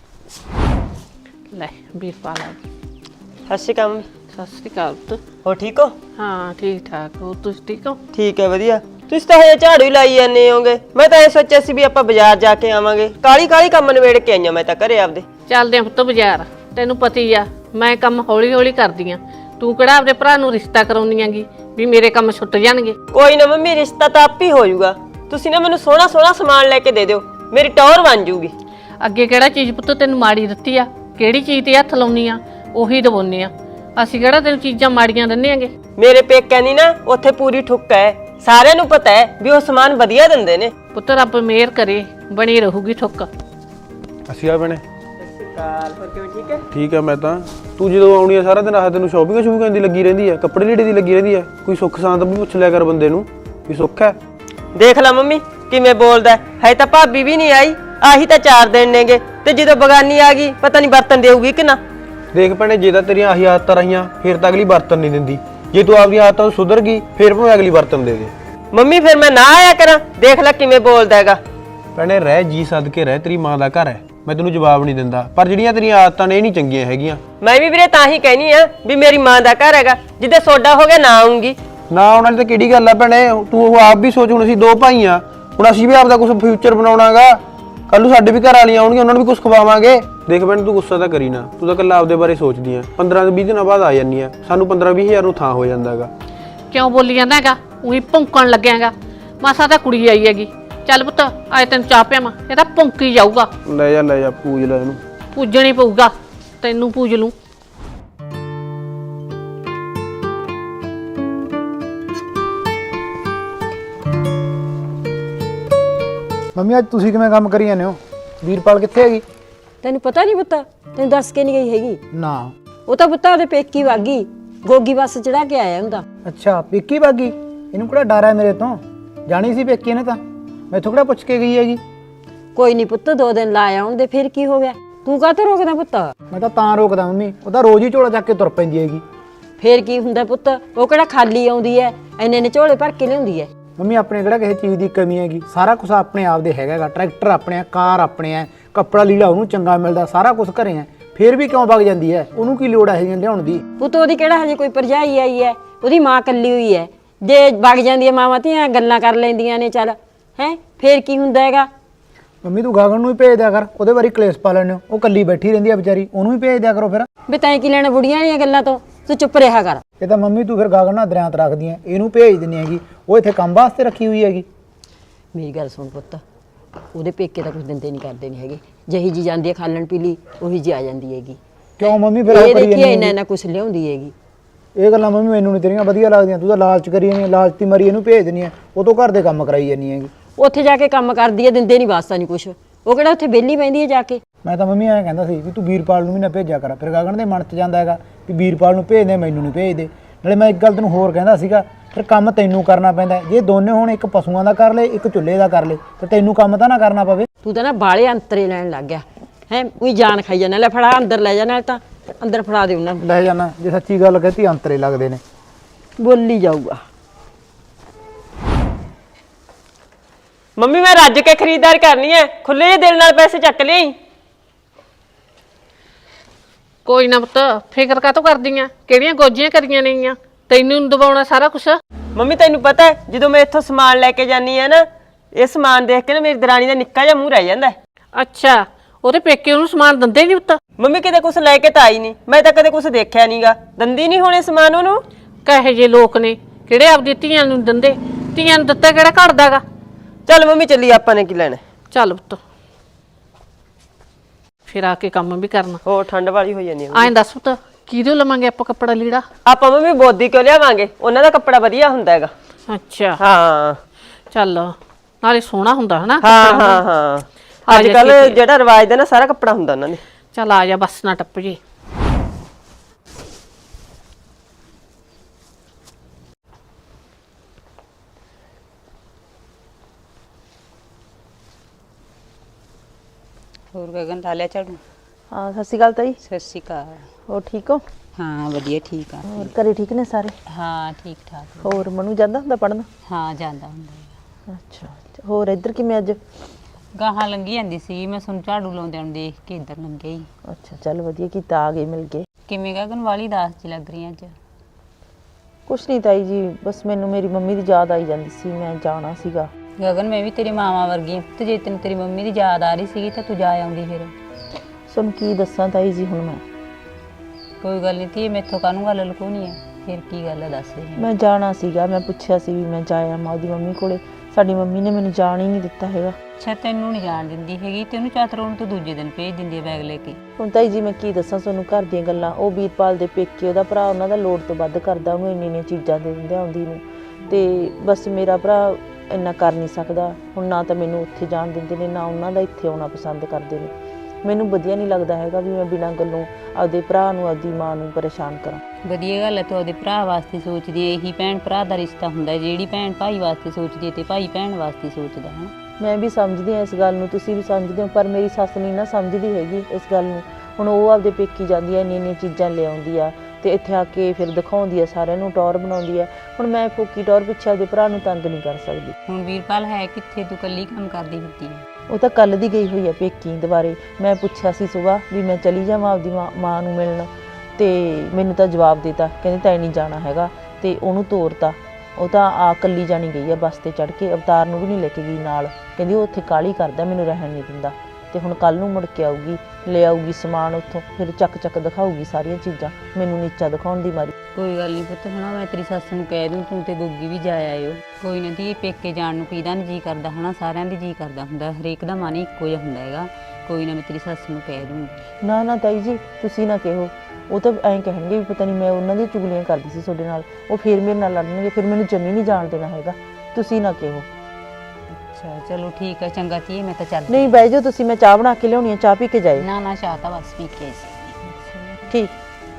G: ਲੈ ਵੀਰਪਾਲ ਆ ਗਈ।
D: ਸਤਿ ਸ਼੍ਰੀ ਅਕਾਲ ਮੰਮੀ।
G: ਸਤਿ ਸ੍ਰੀ ਅਕਾਲ ਪੁੱਤ।
D: ਹੋ ਠੀਕ ਹੋ?
G: ਹਾਂ ਠੀਕ ਠਾਕ ਹੋ, ਤੁਸੀਂ ਠੀਕ ਹੋ?
D: ਠੀਕ ਹੈ ਵਧੀਆ। ਤੁਸੀਂ ਤਾਂ ਹਜੇ ਝਾੜੂ ਹੀ ਲਾਈ ਜਾਂਦੇ ਹੋਗੇ। ਮੈਂ ਤਾਂ ਇਹ ਸੋਚਿਆ ਸੀ ਵੀ ਆਪਾਂ ਬਾਜ਼ਾਰ ਜਾ ਕੇ ਆਵਾਂਗੇ। ਕਾਲੀ ਕਾਲੀ ਕੰਮ ਨਿਬੇੜ ਕੇ ਆਈਆਂ ਮੈਂ ਤਾਂ ਘਰੇ ਆਪਦੇ।
G: ਚੱਲਦੇ ਆ ਪੁੱਤ ਬਾਜ਼ਾਰ। ਤੈਨੂੰ ਪਤੀ ਆ ਮੈਂ ਕੰਮ ਹੌਲੀ ਹੌਲੀ ਕਰਦੀ ਆ। ਤੂੰ ਕਿਹੜਾ ਆਪਦੇ ਭਰਾ ਨੂੰ ਰਿਸ਼ਤਾ ਕਰਾਉਣੀ ਆਂਗੀ ਵੀ ਮੇਰੇ ਕੰਮ ਛੁੱਟ ਜਾਣਗੇ।
D: ਕੋਈ ਨਾ ਮੰਮੀ, ਰਿਸ਼ਤਾ ਤਾਂ ਆਪ ਹੀ ਹੋ ਜਾਊਗਾ। ਤੁਸੀਂ ਨਾ ਮੈਨੂੰ ਸੋਹਣਾ ਸੋਹਣਾ ਸਮਾਨ ਲੈ ਕੇ ਦੇ ਦਿਓ, ਮੇਰੀ ਟੌਰ ਬਣ ਜੂਗੀ।
G: ਅੱਗੇ ਕਿਹੜਾ ਚੀਜ਼ ਪੁੱਤ ਤੈਨੂੰ ਮਾੜੀ ਦਿੱਤੀ ਆ? ਕਿਹੜੀ ਚੀਜ਼ ਤੇ ਹੱਥ ਲਾਉਣੀ ਆ ਉਹੀ ਦਵਾਉਨੇ ਆ। ਅਸੀਂ ਕਿਹੜਾ ਤੈਨੂੰ ਚੀਜ਼ਾਂ ਮਾੜੀਆਂ ਦਿੰਨੇ ਆਂਗੇ।
D: ਮੇਰੇ ਪੇਕਿਆਂ ਦੀ ਨਾ ਉੱਥੇ ਪੂਰੀ ਠੁੱਕ ਹੈ। ਸਾਰਿਆਂ ਨੂੰ ਪਤਾ ਹੈ ਵੀ ਉਹ ਸਮਾਨ ਵਧੀਆ ਦਿੰਦੇ ਨੇ।
G: ਪੁੱਤ ਰੱਬ ਮਿਹਰ ਕਰੇ ਬਣੀ ਰਹੂਗੀ ਠੁੱਕ।
E: ਅਸੀਂ ਆ ਬਣੇ
D: ਕਾਲ ਹੋਰ ਕਿਵੇਂ ਠੀਕ ਹੈ?
E: ਠੀਕ ਹੈ। ਮੈਂ ਤਾਂ ਤੂੰ ਜਦੋਂ ਆਉਣੀ ਆ ਸਾਰਾ ਦਿਨ ਆਹ ਤੈਨੂੰ ਸ਼ੋਪਿੰਗ ਦੀ ਲੱਗੀ ਰਹਿੰਦੀ ਹੈ, ਕੱਪੜੇ ਲੀੜੇ ਦੀ ਲੱਗੀ ਰਹਿੰਦੀ ਹੈ। ਕੋਈ ਸੁੱਖ ਸ਼ਾਂਤ ਵੀ ਪੁੱਛ ਲਿਆ ਕਰ ਬੰਦੇ ਨੂੰ ਵੀ ਸੁੱਖ ਹੈ।
D: ਦੇਖ ਲੈ ਮੰਮੀ ਕਿਵੇਂ ਬੋਲਦਾ ਹੈ ਤਾਂ ਭਾਬੀ ਵੀ ਨਹੀਂ ਆਈ। ਆਹੀ ਤਾਂ 4 ਦਿਨ ਨੇਗੇ ਤੇ ਜਦੋਂ ਬਗਾਨੀ ਆ ਗਈ ਪਤਾ ਨਹੀਂ ਬਰਤਨ ਦੇਊਗੀ ਕਿ ਨਾ।
E: ਦੇਖ ਭੈਣੇ, ਜੇ ਤਾਂ ਤੇਰੀਆਂ ਆਹੀ ਆਦਤਾਂ ਰਹੀਆਂ ਫਿਰ ਤਾਂ ਅਗਲੀ ਬਰਤਨ ਨਹੀਂ ਦਿੰਦੀ। ਜੇ ਤੂੰ ਆਪਦੀਆਂ ਆਦਤਾਂ ਤੋਂ ਸੁਧਰ ਗਈ ਫਿਰ ਭਾਵੇਂ ਅਗਲੀ ਬਰਤਨ ਦੇ ਦੇ।
D: ਮੰਮੀ ਫਿਰ ਮੈਂ ਨਾ ਆਇਆ ਕਰਾਂ? ਦੇਖ ਲੈ ਕਿਵੇਂ ਬੋਲਦਾ ਹੈਗਾ।
E: ਭੈਣੇ ਰਹਿ ਜੀ ਸਦਕੇ ਰਹਿ, ਤੇਰੀ ਮਾਂ ਦਾ ਘਰ ਹੈ। ਮੈਂ ਤੈਨੂੰ ਜਵਾਬ ਨਹੀਂ ਦਿੰਦਾ, ਪਰ ਜਿਹੜੀਆਂ ਤੇਰੀਆਂ ਆਦਤਾਂ ਨੇ ਇਹ ਨਹੀਂ ਚੰਗੀਆਂ ਹੈਗੀਆਂ।
D: ਮੈਂ ਵੀ ਵੀਰੇ ਤਾਂ ਹੀ ਕਹਿਨੀ ਆ ਵੀ ਮੇਰੀ ਮਾਂ ਦਾ ਘਰ ਹੈਗਾ। ਜਿੱਦੇ ਸੋਡਾ ਹੋ ਗਿਆ ਨਾ ਆਉਂਗੀ।
E: ਨਾ ਆਉਣ ਵਾਲੀ ਤਾਂ ਕਿਹੜੀ ਗੱਲ ਆ ਭੈਣੇ, ਤੂੰ ਉਹ ਆਪ ਵੀ ਸੋਚ। ਹੁਣ ਅਸੀਂ 2 ਭਾਈ ਆ, ਹੁਣ ਅਸੀਂ ਵੀ ਆਪਦਾ ਕੁਝ ਫਿਊਚਰ ਬਣਾਉਣਾਗਾ। ਕੱਲ ਨੂੰ ਸਾਡੇ ਵੀ ਘਰ ਵਾਲੀਆਂ ਆਉਣਗੀਆਂ, ਉਹਨਾਂ ਨੂੰ ਵੀ ਕੁਝ ਖਵਾਵਾਂਗੇ। ਦੇਖ ਭੈਣੇ ਤੂੰ ਗੁੱਸਾ ਤਾਂ ਕਰੀ ਨਾ, ਤੂੰ ਤਾਂ ਇਕੱਲਾ ਆਪਦੇ ਬਾਰੇ ਸੋਚਦੀ ਆ। 15-20 ਦਿਨਾਂ ਬਾਅਦ ਆ ਜਾਂਦੀ ਆ, ਸਾਨੂੰ 15-20 ਹਜ਼ਾਰ ਨੂੰ ਥਾਂ ਹੋ ਜਾਂਦਾ ਹੈਗਾ।
G: ਕਿਉਂ ਬੋਲੀ ਜਾਂਦਾ ਹੈਗਾ? ਉਹੀ ਭੌਂਕਣ ਲੱਗਿਆਗਾ। ਮਾਸਾ ਤਾਂ ਕੁੜੀ ਆਈ ਹੈਗੀ। ਚੱਲ ਪੁੱਤ ਅੱਜ ਤੈਨੂੰ ਚਾਹ ਪਿਆਵਾਂ। ਇਹ ਤਾਂ ਭੌਂਕੀ ਜਾਊਗਾ।
E: ਲੈ ਜਾ ਪੂਜ ਲੈ ਇਹਨੂੰ।
G: ਪੂਜਣੀ ਪਊਗਾ, ਤੈਨੂੰ ਪੂਜ ਲੂੰ।
H: ਮੰਮੀ ਅੱਜ ਤੁਸੀਂ ਕਿਵੇਂ ਕੰਮ ਕਰੀ ਜਾਂਦੇ ਹੋ? ਵੀਰਪਾਲ ਕਿੱਥੇ ਹੈਗੀ?
C: ਤੈਨੂੰ ਪਤਾ ਨਹੀਂ ਪੁੱਤ? ਤੈਨੂੰ ਦੱਸ ਕੇ ਨਹੀਂ ਗਈ ਹੈਗੀ?
H: ਨਾ।
C: ਉਹ ਤਾਂ ਪੁੱਤ ਉਹਦੇ ਪੇਕੀ ਵਾਗੀ ਗੋਗੀ ਬੱਸ ਚੜਾ ਕੇ ਆਇਆ ਹੁੰਦਾ।
H: ਅੱਛਾ ਪੇਕੀ ਬਾਗੀ। ਇਹਨੂੰ ਕਿਹੜਾ ਡਰ ਹੈ ਮੇਰੇ ਤੋਂ? ਜਾਣੀ ਸੀ ਪੇਕੀ ਨੇ ਤਾਂ ਮੈਥੋਂ ਕਿਹੜਾ ਪੁੱਛ ਕੇ ਗਈ ਹੈਗੀ।
C: ਕੋਈ ਨਹੀਂ ਪੁੱਤ 2 ਦਿਨ ਲਾ ਆਉਣ ਦੇ, ਫਿਰ ਕੀ ਹੋ ਗਿਆ? ਤੂੰ ਕਾਹਤੋਂ ਰੋਕਦਾ ਪੁੱਤ?
H: ਮੈਂ ਤਾਂ ਰੋਕਦਾ ਮੰਮੀ, ਉਹ ਤਾਂ ਰੋਜ਼ ਹੀ ਝੋਲਾ ਚੱਕ ਕੇ ਤੁਰ ਪੈਂਦੀ ਹੈਗੀ।
C: ਫੇਰ ਕੀ ਹੁੰਦਾ ਪੁੱਤ? ਉਹ ਕਿਹੜਾ ਖਾਲੀ ਆਉਂਦੀ ਐ? ਇੰਨੇ ਝੋਲੇ ਭਰ ਕੇ ਲਿਆਉਂਦੀ ਐ।
H: ਮੰਮੀ ਆਪਣੇ ਕਿਹੜਾ ਕਿਸੇ ਚੀਜ਼ ਦੀ ਕਮੀ ਹੈਗੀ? ਸਾਰਾ ਕੁਝ ਆਪਣੇ ਆਪ ਦੇ ਹੈਗਾ। ਟਰੈਕਟਰ ਆਪਣੇ ਆ, ਕਾਰ ਆਪਣੇ ਆ, ਕੱਪੜਾ ਲੀੜਾ ਉਹਨੂੰ ਚੰਗਾ ਮਿਲਦਾ, ਸਾਰਾ ਕੁਝ ਘਰੇ ਆ। ਫੇਰ ਵੀ ਕਿਉਂ ਵਗ ਜਾਂਦੀ ਹੈ? ਉਹਨੂੰ ਕੀ ਲੋੜ ਹੈ ਲਿਆਉਣ ਦੀ?
C: ਪੁੱਤ ਉਹਦੀ ਕਿਹੜਾ ਹਜੇ ਕੋਈ ਭਰਜਾਈ ਆਈ ਐ? ਉਹਦੀ ਮਾਂ ਕੱਲੀ ਹੋਈ ਐ। ਜੇ ਵਗ ਜਾਂਦੀ ਐ ਮਾਵਾਂ ਧੀਆਂ ਗੱਲਾਂ ਕਰ ਲੈਂਦੀਆਂ ਨੇ। ਚੱਲ ਹੈ ਫੇਰ ਕੀ ਹੁੰਦਾ ਹੈਗਾ?
H: ਮੰਮੀ ਤੂੰ ਗਾਗਨ ਨੂੰ ਹੀ ਭੇਜ ਦਿਆ ਕਰ, ਉਹਦੇ ਬਾਰੇ ਕਲੇਸ਼ ਪਾ ਲੈਣੇ ਹੋ। ਉਹ ਕੱਲੀ ਬੈਠੀ ਰਹਿੰਦੀ ਆ ਵਿਚਾਰੀ, ਉਹਨੂੰ ਹੀ ਭੇਜ ਦਿਆ ਕਰੋ ਫਿਰ।
C: ਵੀ ਤੈਂ ਕੀ ਲੈਣਾ ਬੁੜੀਆਂ ਦੀਆਂ ਗੱਲਾਂ ਤੋਂ? ਤੂੰ ਚੁੱਪ ਰਿਹਾ ਕਰ।
H: ਇਹ ਤਾਂ ਮੰਮੀ ਤੂੰ ਫਿਰ ਗਾਗਨ ਨਾਲ ਦਰਿਆਤ ਰੱਖਦੀ ਐ, ਇਹਨੂੰ ਭੇਜ ਦਿੰਦੀ ਹੈਗੀ। ਉਹ ਇੱਥੇ ਕੰਮ ਵਾਸਤੇ ਰੱਖੀ ਹੋਈ ਹੈਗੀ।
C: ਮੇਰੀ ਗੱਲ ਸੁਣ ਪੁੱਤ, ਉਹਦੇ ਪੇਕੇ ਤਾਂ ਕੁਝ ਦਿੰਦੇ ਨਹੀਂ ਕਰਦੇ ਨਹੀਂ ਹੈਗੇ। ਜਿਹੀ ਜੀ ਜਾਂਦੀ ਹੈ ਖਾਲਣ ਪੀਲੀ ਉਹੀ ਜੀ ਆ ਜਾਂਦੀ ਹੈਗੀ।
H: ਕਿਉਂ ਮੰਮੀ ਫਿਰ
C: ਇਹ ਦੇਖੀ ਇੰਨਾ ਕੁਝ ਲਿਆਉਂਦੀ ਹੈਗੀ।
H: ਇਹ ਗੱਲਾਂ ਮੰਮੀ ਮੈਨੂੰ ਨਹੀਂ ਤੇਰੀਆਂ ਵਧੀਆ ਲੱਗਦੀਆਂ। ਤੂੰ ਤਾਂ ਲਾਲਚ ਕਰੀ ਜਾਂਦੀ, ਲਾਲਚ ਦੀ ਮਰੀ ਇਹਨੂੰ ਭੇਜ ਦਿੰਦੀ ਐ, ਉਹ ਤੋਂ ਘਰ ਦੇ ਕੰਮ ਕਰਾਈ ਜਾਂਦੀ ਹੈਗੀ।
C: ਉੱਥੇ ਜਾ ਕੇ ਕੰਮ ਕਰਦੀ ਹੈ, ਦਿੰਦੇ ਨਹੀਂ ਵਾਸਤਾ ਨਹੀਂ ਕੁਛ। ਉਹ ਕਿਹੜਾ ਉੱਥੇ ਵਿਹਲੀ ਬਹਿੰਦੀ ਹੈ ਜਾ ਕੇ।
H: ਮੈਂ ਤਾਂ ਮੰਮੀ ਐਂ ਕਹਿੰਦਾ ਸੀ ਵੀ ਤੂੰ ਵੀਰਪਾਲ ਨੂੰ ਵੀ ਨਾ ਭੇਜਿਆ ਕਰ। ਫਿਰ ਗਗਨ ਦੇ ਮਨ 'ਚ ਜਾਂਦਾ ਹੈਗਾ ਵੀ ਵੀਰਪਾਲ ਨੂੰ ਭੇਜ ਦੇ, ਮੈਨੂੰ ਨਹੀਂ ਭੇਜਦੇ। ਨਾਲੇ ਮੈਂ ਇੱਕ ਗੱਲ ਤੈਨੂੰ ਹੋਰ ਕਹਿੰਦਾ ਸੀਗਾ, ਫਿਰ ਕੰਮ ਤੈਨੂੰ ਕਰਨਾ ਪੈਂਦਾ। ਜੇ ਦੋਨੇ ਹੁਣ ਇੱਕ ਪਸ਼ੂਆਂ ਦਾ ਕਰ ਲੈ, ਇੱਕ ਚੁੱਲ੍ਹੇ ਦਾ ਕਰ ਲੈ, ਤੇ ਤੈਨੂੰ ਕੰਮ ਤਾਂ ਨਾ ਕਰਨਾ ਪਵੇ।
C: ਤੂੰ ਤਾਂ ਨਾ ਬਾਲੇ ਅੰਤਰੇ ਲੈਣ ਲੱਗ ਗਿਆ ਹੈ। ਉਹੀ ਜਾਨ ਖਾਈ ਜਾਂਦਾ। ਲੈ ਫੜਾ ਅੰਦਰ ਲੈ ਜਾ, ਨਾਲ ਤਾਂ ਅੰਦਰ ਫੜਾ ਦੇ ਉਹਨਾਂ ਨੂੰ।
H: ਲੈ ਜਾਣਾ, ਜੇ ਸੱਚੀ ਗੱਲ ਕਹਤੀ ਅੰਤਰੇ ਲੱਗਦੇ ਨੇ।
C: ਬੋਲੀ ਜਾਊਗਾ।
D: ਮੰਮੀ ਮੈਂ ਰੱਜ ਕੇ ਖਰੀਦਦਾਰ ਕਰਨੀ ਹੈ। ਖੁੱਲੇ ਜਿਹੇ ਦਿਲ ਨਾਲ ਪੈਸੇ ਚੱਕ ਲਈ।
G: ਕੋਈ ਨਾ ਪੁੱਤ ਫਿਕਰ ਕਾਹਤੋਂ ਕਰਦੀਆਂ? ਕਿਹੜੀਆਂ ਗੋਜੀਆਂ ਕਰੀਆਂ ਨੇਗੀਆਂ? ਤੈਨੂੰ ਦਬਾਉਣਾ ਸਾਰਾ ਕੁਛ।
D: ਮੰਮੀ ਤੈਨੂੰ ਪਤਾ ਹੈ ਜਦੋਂ ਮੈਂ ਇੱਥੋਂ ਸਮਾਨ ਲੈ ਕੇ ਜਾਨੀ ਆ ਨਾ, ਇਹ ਸਮਾਨ ਦੇਖ ਕੇ ਨਾ ਮੇਰੀ ਦਰਾਣੀ ਦਾ ਨਿੱਕਾ ਜਿਹਾ ਮੂੰਹ ਰਹਿ ਜਾਂਦਾ।
G: ਅੱਛਾ ਉਹਦੇ ਪੇਕੇ ਉਹਨੂੰ ਸਮਾਨ ਦਿੰਦੇ ਨਹੀਂ ਪੁੱਤ?
D: ਮੰਮੀ ਕਿਤੇ ਕੁਝ ਲੈ ਕੇ ਤਾਂ ਆਈ ਨਹੀਂ, ਮੈਂ ਤਾਂ ਕਦੇ ਕੁਝ ਦੇਖਿਆ ਨਹੀਂਗਾ। ਦੰਦੀ ਨਹੀਂ ਹੋਣੇ ਸਮਾਨ ਉਹਨੂੰ।
G: ਕਹੇ ਜੇ ਲੋਕ ਨੇ ਕਿਹੜੇ ਆਪਦੀ ਧੀਆਂ ਨੂੰ ਦਿੰਦੇ? ਧੀਆਂ ਨੂੰ ਦਿੱਤਾ ਕਿਹੜਾ ਘਟਦਾਗਾ?
D: ਚੱਲ ਮੰਮੀ ਚੱਲੀ, ਆਪਾਂ ਨੇ ਕੀ ਲੈਣਾ।
G: ਚੱਲ ਪੁੱਤ। ਫਿਰ ਆ ਕੇ ਕੰਮ ਵੀ ਕਰਨਾ।
D: ਹੋਰ ਠੰਡ ਵਾਲੀ ਹੋ ਜਾਂਦੀ ਆ।
G: ਐਂ ਦੱਸ ਪੁੱਤ ਕਿਹਦੇ ਲਵਾਂਗੇ ਆਪਾਂ ਕੱਪੜਾ ਲੀੜਾ?
D: ਆਪਾਂ ਮੰਮੀ ਬੋਦੀ ਕਿਉਂ ਲਿਆਵਾਂਗੇ, ਉਹਨਾਂ ਦਾ ਕੱਪੜਾ ਵਧੀਆ ਹੁੰਦਾ ਹੈਗਾ।
G: ਅੱਛਾ
D: ਹਾਂ
G: ਚੱਲ ਨਾਲੇ ਸੋਹਣਾ ਹੁੰਦਾ ਹਨਾ।
D: ਹਾਂ ਹਾਂ ਹਾਂ ਅੱਜ ਕੱਲ ਜਿਹੜਾ ਰਿਵਾਜ ਦਾ ਨਾ ਸਾਰਾ ਕੱਪੜਾ ਹੁੰਦਾ ਉਹਨਾਂ ਦੇ।
G: ਚੱਲ ਆ ਜਾ ਬਸ ਨਾ ਟੱਪ ਜੇ।
I: ਹੋਰ ਗਗਨ ਲਾ ਲਿਆ ਝਾੜੂ?
A: ਹਾਂ ਸਤਿ ਸ਼੍ਰੀ ਅਕਾਲ ਤਾਈ।
I: ਸਤਿ ਸ਼੍ਰੀ ਅਕਾਲ।
A: ਹੋਰ ਠੀਕ ਹੋ?
I: ਹਾਂ ਵਧੀਆ ਠੀਕ ਆ।
A: ਹੋਰ ਘਰੇ ਠੀਕ ਨੇ ਸਾਰੇ?
I: ਹਾਂ ਠੀਕ ਠਾਕ।
A: ਹੋਰ ਮਨੂ ਜਾਂਦਾ ਹੁੰਦਾ ਪੜਨ?
I: ਹਾਂ ਜਾਂਦਾ ਹੁੰਦਾ।
A: ਅੱਛਾ ਹੋਰ ਇੱਧਰ ਕਿਵੇਂ ਅੱਜ?
I: ਗਾਹਾਂ ਲੰਗੀ ਜਾਂਦੀ ਸੀ, ਮੈਂ ਸੁਣ ਝਾੜੂ ਲਾਉਂਦੇ ਨੂੰ ਦੇਖ ਕੇ ਇੱਧਰ ਲੰਘੇ ਹੀ।
A: ਅੱਛਾ ਚੱਲ ਵਧੀਆ ਕੀਤਾ, ਆ ਗਏ ਮਿਲ ਗਏ।
I: ਕਿਵੇਂ ਗਗਨ ਵਾਲੀ ਦਾਸ ਚ ਲੱਗ ਰਹੀ ਅੱਜ?
A: ਕੁਛ ਨਹੀਂ ਤਾਈ ਜੀ, ਬਸ ਮੈਨੂੰ ਮੇਰੀ ਮੰਮੀ ਦੀ ਯਾਦ ਆਈ ਜਾਂਦੀ ਸੀ, ਮੈਂ ਜਾਣਾ ਸੀਗਾ।
I: ਗਗਨ ਮੈਂ ਵੀ ਤੇਰੀ ਮਾਵਾਂ ਵਰਗੀ ਹਾਂ ਤੇ ਜੇ ਤੈਨੂੰ ਤੇਰੀ ਮੰਮੀ ਦੀ ਯਾਦ ਆ ਰਹੀ ਸੀਗੀ ਤਾਂ ਤੂੰ ਜਾ ਆਉਂਦੀ ਫਿਰ।
A: ਤੁਹਾਨੂੰ ਕੀ ਦੱਸਾਂ ਤਾਈ ਜੀ ਹੁਣ ਮੈਂ?
I: ਕੋਈ ਗੱਲ ਨਹੀਂ ਧੀ, ਮੈਥੋਂ ਕਾਹਨੂੰ ਗੱਲ ਲੁਕਾਉਣੀ ਹੈ, ਫਿਰ ਕੀ ਗੱਲ ਹੈ ਦੱਸ ਦੇ।
A: ਮੈਂ ਜਾਣਾ ਸੀਗਾ, ਮੈਂ ਪੁੱਛਿਆ ਸੀ ਵੀ ਮੈਂ ਜਾਇਆ ਮਾਂ ਦੀ ਮੰਮੀ ਕੋਲੇ, ਸਾਡੀ ਮੰਮੀ ਨੇ ਮੈਨੂੰ ਜਾਣ ਹੀ ਨਹੀਂ ਦਿੱਤਾ ਹੈਗਾ।
I: ਅੱਛਾ ਤੈਨੂੰ ਨਹੀਂ ਜਾਣ ਦਿੰਦੀ ਹੈਗੀ ਤੇ ਉਹਨੂੰ ਚਾਤਰੋਂ ਤੋਂ ਦੂਜੇ ਦਿਨ ਭੇਜ ਦਿੰਦੀ ਹੈ ਬੈਗ ਲੈ ਕੇ।
A: ਹੁਣ ਤਾਈ ਜੀ ਮੈਂ ਕੀ ਦੱਸਾਂ ਤੁਹਾਨੂੰ ਘਰ ਦੀਆਂ ਗੱਲਾਂ। ਉਹ ਵੀਰਪਾਲ ਦੇ ਪੇਕੇ, ਉਹਦਾ ਭਰਾ ਉਹਨਾਂ ਦਾ ਲੋੜ ਤੋਂ ਵੱਧ ਕਰਦਾ, ਉਹਨੂੰ ਇੰਨੀਆਂ ਚੀਜ਼ਾਂ ਦੇ ਦਿੰਦੇ ਆਉਂਦੀ ਨੂੰ, ਤੇ ਬਸ ਮੇਰਾ ਭਰਾ ਇੰਨਾ ਕਰ ਨਹੀਂ ਸਕਦਾ। ਹੁਣ ਨਾ ਤਾਂ ਮੈਨੂੰ ਉੱਥੇ ਜਾਣ ਦਿੰਦੇ ਨੇ, ਨਾ ਉਹਨਾਂ ਦਾ ਇੱਥੇ ਆਉਣਾ ਪਸੰਦ ਕਰਦੇ ਨੇ। ਮੈਨੂੰ ਵਧੀਆ ਨਹੀਂ ਲੱਗਦਾ ਹੈਗਾ ਵੀ ਮੈਂ ਬਿਨਾਂ ਗੱਲੋਂ ਆਪਦੇ ਭਰਾ ਨੂੰ, ਆਪਦੀ ਮਾਂ ਨੂੰ ਪਰੇਸ਼ਾਨ ਕਰਾਂ।
I: ਵਧੀਆ ਗੱਲ ਹੈ ਤੂੰ ਉਹਦੇ ਭਰਾ ਵਾਸਤੇ ਸੋਚਦੀ ਹੈ। ਇਹੀ ਭੈਣ ਭਰਾ ਦਾ ਰਿਸ਼ਤਾ ਹੁੰਦਾ, ਜਿਹੜੀ ਭੈਣ ਭਾਈ ਵਾਸਤੇ ਸੋਚਦੀ ਹੈ ਤੇ ਭਾਈ ਭੈਣ ਵਾਸਤੇ ਸੋਚਦਾ ਹੈ।
A: ਮੈਂ ਵੀ ਸਮਝਦੀ ਹਾਂ ਇਸ ਗੱਲ ਨੂੰ, ਤੁਸੀਂ ਵੀ ਸਮਝਦੇ ਹੋ, ਪਰ ਮੇਰੀ ਸੱਸ ਨਹੀਂ ਨਾ ਸਮਝਦੀ ਹੈਗੀ ਇਸ ਗੱਲ ਨੂੰ। ਹੁਣ ਉਹ ਆਪਦੇ ਪੇਕੀ ਜਾਂਦੀ ਹੈ, ਇੰਨੀਆਂ ਚੀਜ਼ਾਂ ਲਿਆਉਂਦੀ ਆ ਤੇ ਇੱਥੇ ਆ ਕੇ ਫਿਰ ਦਿਖਾਉਂਦੀ ਆ, ਸਾਰਿਆਂ ਨੂੰ ਟੌਰ ਬਣਾਉਂਦੀ ਆ। ਹੁਣ ਮੈਂ ਫੋਕੀ ਟੌਰ ਪਿੱਛੇ ਆਪਦੇ ਭਰਾ ਨੂੰ ਤੰਗ ਨਹੀਂ ਕਰ ਸਕਦੀ।
I: ਹੁਣ ਵੀਰਪਾਲ ਹੈ ਕਿੱਥੇ? ਤੂੰ ਇਕੱਲੀ ਕੰਮ ਕਰਦੀ ਫਿਰਦੀ ਹੈ।
A: ਉਹ ਤਾਂ ਕੱਲ ਦੀ ਗਈ ਹੋਈ ਆ ਪੇਕੀ ਦੁਬਾਰੇ। ਮੈਂ ਪੁੱਛਿਆ ਸੀ ਸੁਬਾਹ ਵੀ ਮੈਂ ਚਲੀ ਜਾਵਾਂ ਆਪਦੀ ਮਾਂ ਨੂੰ ਮਿਲਣ, ਤੇ ਮੈਨੂੰ ਤਾਂ ਜਵਾਬ ਦਿੱਤਾ, ਕਹਿੰਦੀ ਤੈਨੂੰ ਨਹੀਂ ਜਾਣਾ ਹੈਗਾ, ਤੇ ਉਹਨੂੰ ਤੋਰਤਾ। ਉਹ ਤਾਂ ਆ ਕੱਲੀ ਜਾਣੀ ਗਈ ਆ ਬੱਸ ਤੇ ਚੜ੍ਹ ਕੇ, ਅਵਤਾਰ ਨੂੰ ਵੀ ਨਹੀਂ ਲੈ ਕੇ ਗਈ ਨਾਲ। ਕਹਿੰਦੀ ਉਹ ਉੱਥੇ ਕਾਹਲੀ ਕਰਦਾ, ਮੈਨੂੰ ਰਹਿਣ ਨਹੀਂ ਦਿੰਦਾ, ਤੇ ਹੁਣ ਕੱਲ ਨੂੰ ਮੁੜ ਕੇ ਆਊਗੀ, ਲੈ ਆਊਗੀ ਸਮਾਨ ਉੱਥੋਂ, ਫਿਰ ਚੱਕ ਦਿਖਾਊਗੀ ਸਾਰੀਆਂ ਚੀਜ਼ਾਂ, ਮੈਨੂੰ ਨੀਚਾ ਦਿਖਾਉਣ ਦੀ ਮਾਰੀ।
I: ਕੋਈ ਗੱਲ ਨਹੀਂ ਪੁੱਤ, ਹਨਾ ਮੈਂ ਤੇਰੀ ਸੱਸ ਨੂੰ ਕਹਿ ਦੂੰ, ਤੂੰ ਤੇ ਗੁੱਗੀ ਵੀ ਜਾ ਆਇਓ। ਕੋਈ ਨਾ ਧੀਏ, ਪੇਕੇ ਜਾਣ ਨੂੰ ਕਿਹਦਾ ਨਹੀਂ ਜੀ ਕਰਦਾ ਹਨਾ, ਸਾਰਿਆਂ ਦੀ ਜੀ ਕਰਦਾ ਹੁੰਦਾ, ਹਰੇਕ ਦਾ ਮਨ ਇੱਕੋ ਜਿਹਾ ਹੁੰਦਾ ਹੈਗਾ। ਕੋਈ ਨਾ ਮੈਂ ਤੇਰੀ ਸੱਸ ਨੂੰ ਕਹਿ ਦੂੰਗੀ।
A: ਨਾ ਤਾਈ ਜੀ ਤੁਸੀਂ ਨਾ ਕਹੋ, ਉਹ ਤਾਂ ਐਂ ਕਹਿਣਗੇ ਵੀ ਪਤਾ ਨਹੀਂ ਮੈਂ ਉਹਨਾਂ ਦੀਆਂ ਚੁਗਲੀਆਂ ਕਰਦੀ ਸੀ ਤੁਹਾਡੇ ਨਾਲ, ਉਹ ਫਿਰ ਮੇਰੇ ਨਾਲ ਲੜਨਗੇ, ਫਿਰ ਮੈਨੂੰ ਜਮੀ ਨਹੀਂ ਜਾਣ ਦੇਣਾ ਹੈਗਾ। ਤੁਸੀਂ ਨਾ ਕਹੋ।
I: ਅੱਛਾ ਚਲੋ ਠੀਕ ਹੈ, ਚੰਗਾ ਧੀਏ ਮੈਂ ਤਾਂ ਚੱਲ।
A: ਨਹੀਂ ਬਹਿ ਜਾਓ ਤੁਸੀਂ, ਮੈਂ ਚਾਹ ਬਣਾ ਕੇ ਲਿਆਉਣੀ ਆ, ਚਾਹ ਪੀ ਕੇ ਜਾਇਓ।
I: ਨਾ ਚਾਹ ਤਾਂ ਬਸ ਪੀ ਕੇ ਆਈ ਸੀ।
A: ਠੀਕ।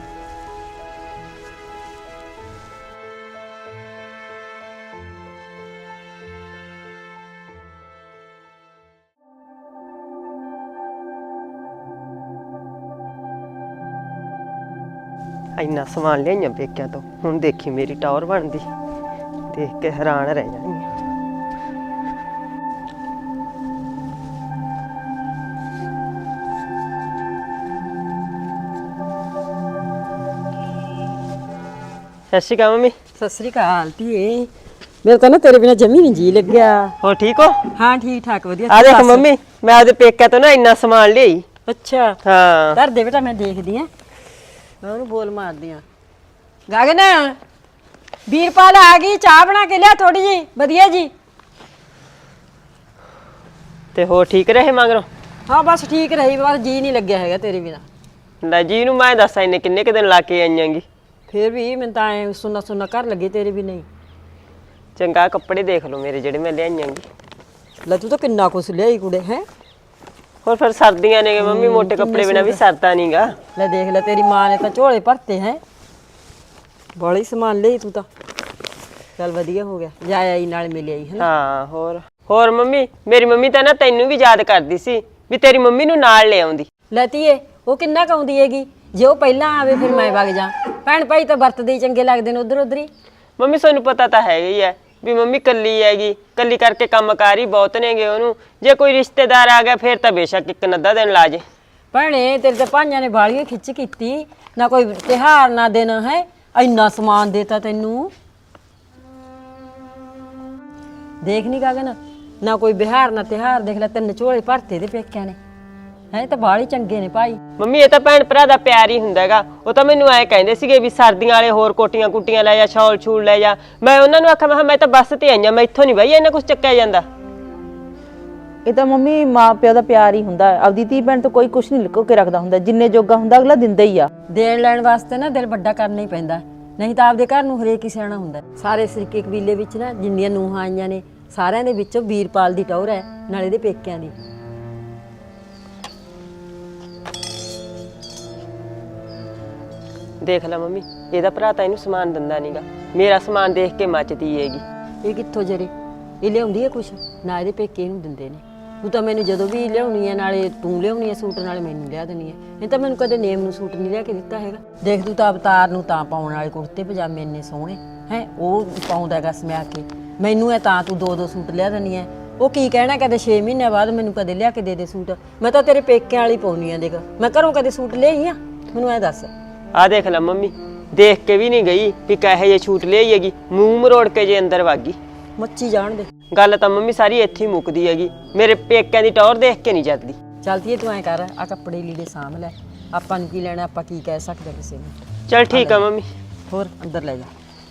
D: ਇੰਨਾ ਸਮਾਨ ਲਿਆਈਆਂ ਪੇਕਿਆਂ ਤੋਂ, ਹੁਣ ਦੇਖੀ ਮੇਰੀ ਟੌਰ ਬਣਦੀ, ਦੇਖ ਕੇ ਹੈਰਾਨ ਰਹਿ ਜਾਣੀ। ਸਤਿ ਸ਼੍ਰੀ ਅਕਾਲ ਮੰਮੀ।
C: ਸਤਿ ਸ੍ਰੀ ਅਕਾਲ ਧੀਏ। ਮੇਰੇ ਤਾਂ ਨਾ ਤੇਰੇ ਬਿਨਾ ਜਮੀ ਨਹੀਂ ਜੀ ਲੱਗਿਆ।
D: ਹੋਰ ਠੀਕ ਹੋ?
C: ਹਾਂ ਠੀਕ ਠਾਕ ਵਧੀਆ।
D: ਆ ਦੇਖ ਮੰਮੀ, ਮੈਂ ਆਪਦੇ ਪੇਕਿਆਂ ਤੋਂ ਨਾ ਇੰਨਾ ਸਮਾਨ ਲਿਆਈ।
C: ਅੱਛਾ
D: ਹਾਂ
C: ਧਰ ਦੇ ਬੇਟਾ, ਮੈਂ ਦੇਖਦੀ ਆ, ਮੈਂ ਉਹਨੂੰ ਬੋਲ ਮਾਰਦੀ ਆ। ਗਗਨ ਵੀਰਪਾਲ ਆ ਗਈ, ਚਾਹ ਬਣਾ ਕੇ ਲਿਆ ਥੋੜੀ ਜੀ ਵਧੀਆ ਜੀ।
D: ਤੇ ਹੋਰ ਠੀਕ ਰਹੇ ਮਗਰੋਂ?
C: ਹਾਂ ਬਸ ਠੀਕ ਰਹੀ, ਬਸ ਜੀ ਨਹੀਂ ਲੱਗਿਆ ਹੈਗਾ ਤੇਰੇ ਬਿਨਾ।
D: ਲੈ ਜੀ ਨੂੰ ਮੈਂ ਦੱਸਾਂ ਇਹਨੇ ਕਿੰਨੇ ਕੁ ਦਿਨ ਲਾ ਕੇ ਆਈਆਂਗੀ।
C: ਫੇਰ ਵੀ ਮੈਨੂੰ ਤਾਂ ਐ ਸੁਣਾ ਕਰ ਲੱਗੇ ਤੇਰੇ ਵੀ ਨਹੀਂ।
D: ਚੰਗਾ ਕੱਪੜੇ ਦੇਖ ਲਓ ਮੇਰੇ ਜਿਹੜੇ ਮੈਂ ਲਿਆਈਆਂਗੀ।
C: ਲੈ ਤੂੰ ਤਾਂ ਕਿੰਨਾ ਕੁਛ ਲਿਆਈ ਕੁੜੇ ਹੈ।
D: ਹੋਰ ਫਿਰ ਸਰਦੀਆਂ ਨੇ ਮੰਮੀ, ਮੋਟੇ ਕੱਪੜੇ ਬਿਨਾ ਵੀ ਸਰਦਾ ਨਹੀਂਗਾ।
C: ਲੈ ਦੇਖ ਲੈ ਤੇਰੀ ਮਾਂ ਨੇ ਤਾਂ ਝੋਲੇ ਭਰਤੇ ਹੈ, ਬੜੀ ਸਮਾਨ ਲਈ ਤੂੰ ਤਾਂ। ਚੱਲ ਵਧੀਆ ਹੋ ਗਿਆ, ਜਾ ਆਈ ਨਾਲ ਮਿਲ ਆਈ ਹੈ।
D: ਹਾਂ ਹੋਰ ਮੰਮੀ, ਮੇਰੀ ਮੰਮੀ ਤਾਂ ਨਾ ਤੈਨੂੰ ਵੀ ਯਾਦ ਕਰਦੀ ਸੀ ਵੀ ਤੇਰੀ ਮੰਮੀ ਨੂੰ ਨਾਲ ਲੈ ਆਉਂਦੀ।
C: ਲੈ ਧੀਏ, ਉਹ ਕਿੰਨਾ ਕਾਉਂਦੀ ਹੈਗੀ, ਜੇ ਉਹ ਪਹਿਲਾਂ ਆਵੇ ਫਿਰ ਮੈਂ ਵਗ ਜਾ। ਭੈਣ ਭਾਈ ਤਾਂ ਵਰਤਦੇ ਹੀ ਚੰਗੇ ਲੱਗਦੇ ਨੇ ਉਧਰ ਹੀ।
D: ਮੰਮੀ ਤੁਹਾਨੂੰ ਪਤਾ ਤਾਂ ਹੈਗਾ ਹੀ ਹੈ ਵੀ ਮੰਮੀ ਕੱਲੀ ਹੈਗੀ, ਕੱਲੀ ਕਰਕੇ ਕੰਮਕਾਰ ਹੀ ਬਹੁਤ ਨੇਗੇ ਉਹਨੂੰ। ਜੇ ਕੋਈ ਰਿਸ਼ਤੇਦਾਰ ਆ ਗਿਆ ਫਿਰ ਤਾਂ ਬੇਸ਼ੱਕ ਇੱਕ ਨੱਦਾ ਦਿਨ ਲਾ ਜੇ।
C: ਭੈਣੇ ਤੇਰੇ ਤਾਂ ਭਾਈਆਂ ਨੇ ਬਾਲੀਆਂ ਖਿੱਚ ਕੀਤੀ, ਨਾ ਕੋਈ ਤਿਉਹਾਰ ਨਾ ਦਿਨ ਹੈ, ਇੰਨਾ ਸਮਾਨ ਦੇਤਾ ਤੈਨੂੰ। ਦੇਖ ਨੀ ਗਗਨ, ਨਾ ਕੋਈ ਬਿਹਾਰ ਨਾ ਤਿਉਹਾਰ, ਦੇਖ ਲੈ ਤਿੰਨ ਝੋਲੇ ਭਰਤੇ ਦੇ ਪੇਕਿਆਂ ਨੇ ਹੈ, ਤਾਂ ਬਾਲੀ ਚੰਗੇ ਨੇ ਭਾਈ।
D: ਮੰਮੀ ਇਹ ਤਾਂ ਭੈਣ ਭਰਾ ਦਾ ਪਿਆਰ ਹੀ ਹੁੰਦਾ ਹੈਗਾ। ਉਹ ਤਾਂ ਮੈਨੂੰ ਐਂ ਕਹਿੰਦੇ ਸੀਗੇ ਵੀ ਸਰਦੀਆਂ ਵਾਲੇ ਹੋਰ ਕੋਟੀਆਂ ਕੁੱਟੀਆਂ ਲੈ ਜਾ, ਸ਼ਾਲ ਛੂਲ ਲੈ ਜਾ। ਮੈਂ ਉਹਨਾਂ ਨੂੰ ਆਖਿਆ ਮੈਂ ਤਾਂ ਬੱਸ ਤੇ ਆਈਆਂ, ਮੈਂ ਇੱਥੋਂ ਨਹੀਂ ਬਈ ਇਹਨਾਂ ਕੁਛ ਚੱਕਿਆ ਜਾਂਦਾ।
A: ਇਹ ਤਾਂ ਮੰਮੀ ਮਾਂ ਪਿਓ ਦਾ ਪਿਆਰ ਹੀ ਹੁੰਦਾ ਹੈ। ਆਪਦੀ ਧੀ ਭੈਣ ਤੋਂ ਕੋਈ ਕੁਝ ਨਹੀਂ ਲੁਕੋ ਕੇ ਰੱਖਦਾ ਹੁੰਦਾ, ਜਿੰਨੇ ਜੋਗਾ ਹੁੰਦਾ ਅਗਲਾ ਦਿੰਦਾ ਹੀ ਆ।
C: ਦੇਣ ਲੈਣ ਵਾਸਤੇ ਨਾ ਦਿਲ ਵੱਡਾ ਕਰਨਾ ਹੀ ਪੈਂਦਾ, ਨਹੀਂ ਤਾਂ ਆਪਦੇ ਘਰ ਨੂੰ ਹਰੇਕ ਹੀ ਸਿਆਣਾ ਹੁੰਦਾ। ਸਾਰੇ ਸਰੀਕੇ ਕਬੀਲੇ ਵਿੱਚ ਨਾ ਜਿੰਨੀਆਂ ਨੂੰਹਾਂ ਆਈਆਂ ਨੇ ਸਾਰਿਆਂ ਦੇ ਵਿੱਚੋਂ ਵੀਰਪਾਲ ਦੀ ਟੌਰ ਹੈ, ਨਾਲੇ ਇਹਦੇ ਪੇਕਿਆਂ ਦੀ।
D: ਦੇਖ ਲੈ ਮੰਮੀ, ਇਹਦਾ ਭਰਾ ਤਾਂ ਇਹਨੂੰ ਸਮਾਨ ਦਿੰਦਾ ਨਹੀਂਗਾ, ਮੇਰਾ ਸਮਾਨ ਦੇਖ ਕੇ ਮੱਚਦੀ ਹੈਗੀ।
C: ਇਹ ਕਿੱਥੋਂ ਜਰੇ ਇਹ ਲਿਆਉਂਦੀ ਹੈ ਕੁਛ ਨਾ, ਇਹਦੇ ਪੇਕੇ ਇਹਨੂੰ ਦਿੰਦੇ ਨੇ। ਤੂੰ ਤਾਂ ਮੈਨੂੰ ਜਦੋਂ ਵੀ ਲਿਆਉਣੀ ਹੈ ਨਾਲੇ ਤੂੰ ਲਿਆਉਣੀ ਹੈ ਸੂਟ, ਨਾਲੇ ਮੈਨੂੰ ਲਿਆ ਦੇਣੀ ਹੈ। ਇਹ ਤਾਂ ਮੈਨੂੰ ਕਦੇ ਨੇਮ ਨੂੰ ਸੂਟ ਨਹੀਂ ਲਿਆ ਕੇ ਦਿੱਤਾ ਹੈਗਾ। ਦੇਖ ਤੂੰ ਤਾਂ ਅਵਤਾਰ ਨੂੰ ਤਾਂ ਪਾਉਣ ਵਾਲੇ ਕੁੜਤੇ ਪਜਾਮੇ ਇੰਨੇ ਸੋਹਣੇ ਹੈ ਉਹ ਪਾਉਂਦਾ ਹੈਗਾ ਸਮਿਆ ਕੇ, ਮੈਨੂੰ ਹੈ ਤਾਂ ਤੂੰ 2-2 ਸੂਟ ਲਿਆ ਦੇਣੀ ਹੈ। ਉਹ ਕੀ ਕਹਿਣਾ ਕਦੇ 6 ਮਹੀਨਿਆਂ ਬਾਅਦ ਮੈਨੂੰ ਕਦੇ ਲਿਆ ਕੇ ਦੇ ਸੂਟ। ਮੈਂ ਤਾਂ ਤੇਰੇ ਪੇਕਿਆਂ ਵਾਲੀ ਪਾਉਣੀ ਆ। ਦੇਖ ਮੈਂ ਘਰੋਂ ਕਦੇ ਸੂਟ ਲਿਆਈ ਆ? ਮੈਨੂੰ ਐ ਦੱਸ।
D: ਆ ਦੇਖ ਲੈ ਮੰਮੀ, ਦੇਖ ਕੇ ਵੀ ਨਹੀਂ ਗਈ ਵੀ ਕਹੇ ਜੇ ਛੂਟ ਲਿਆਈ ਹੈਗੀ, ਮੂੰਹ ਮਰੋੜ ਕੇ ਜੇ ਅੰਦਰ ਵਾਗੀ।
C: ਮੱਚੀ ਜਾਣ ਦੇ।
D: ਗੱਲ ਤਾਂ ਮੰਮੀ ਸਾਰੀ ਇੱਥੇ ਹੀ ਮੁੱਕਦੀ ਹੈਗੀ, ਮੇਰੇ ਪੇਕਿਆਂ ਦੀ ਟੌਰ ਦੇਖ ਕੇ ਨਹੀਂ ਜਾਂਦੀ।
C: ਚਲਦੀ ਤੂੰ ਐ ਕਰ, ਆ ਕੱਪੜੇ ਲੀੜੇ ਸਾਂਭ ਲੈ, ਆਪਾਂ ਨੂੰ ਕੀ ਲੈਣਾ, ਆਪਾਂ ਕੀ ਕਹਿ ਸਕਦੇ ਕਿਸੇ ਨੂੰ।
D: ਚਲ ਠੀਕ ਆ ਮੰਮੀ।
C: ਹੋਰ ਅੰਦਰ ਲੈ ਜਾ।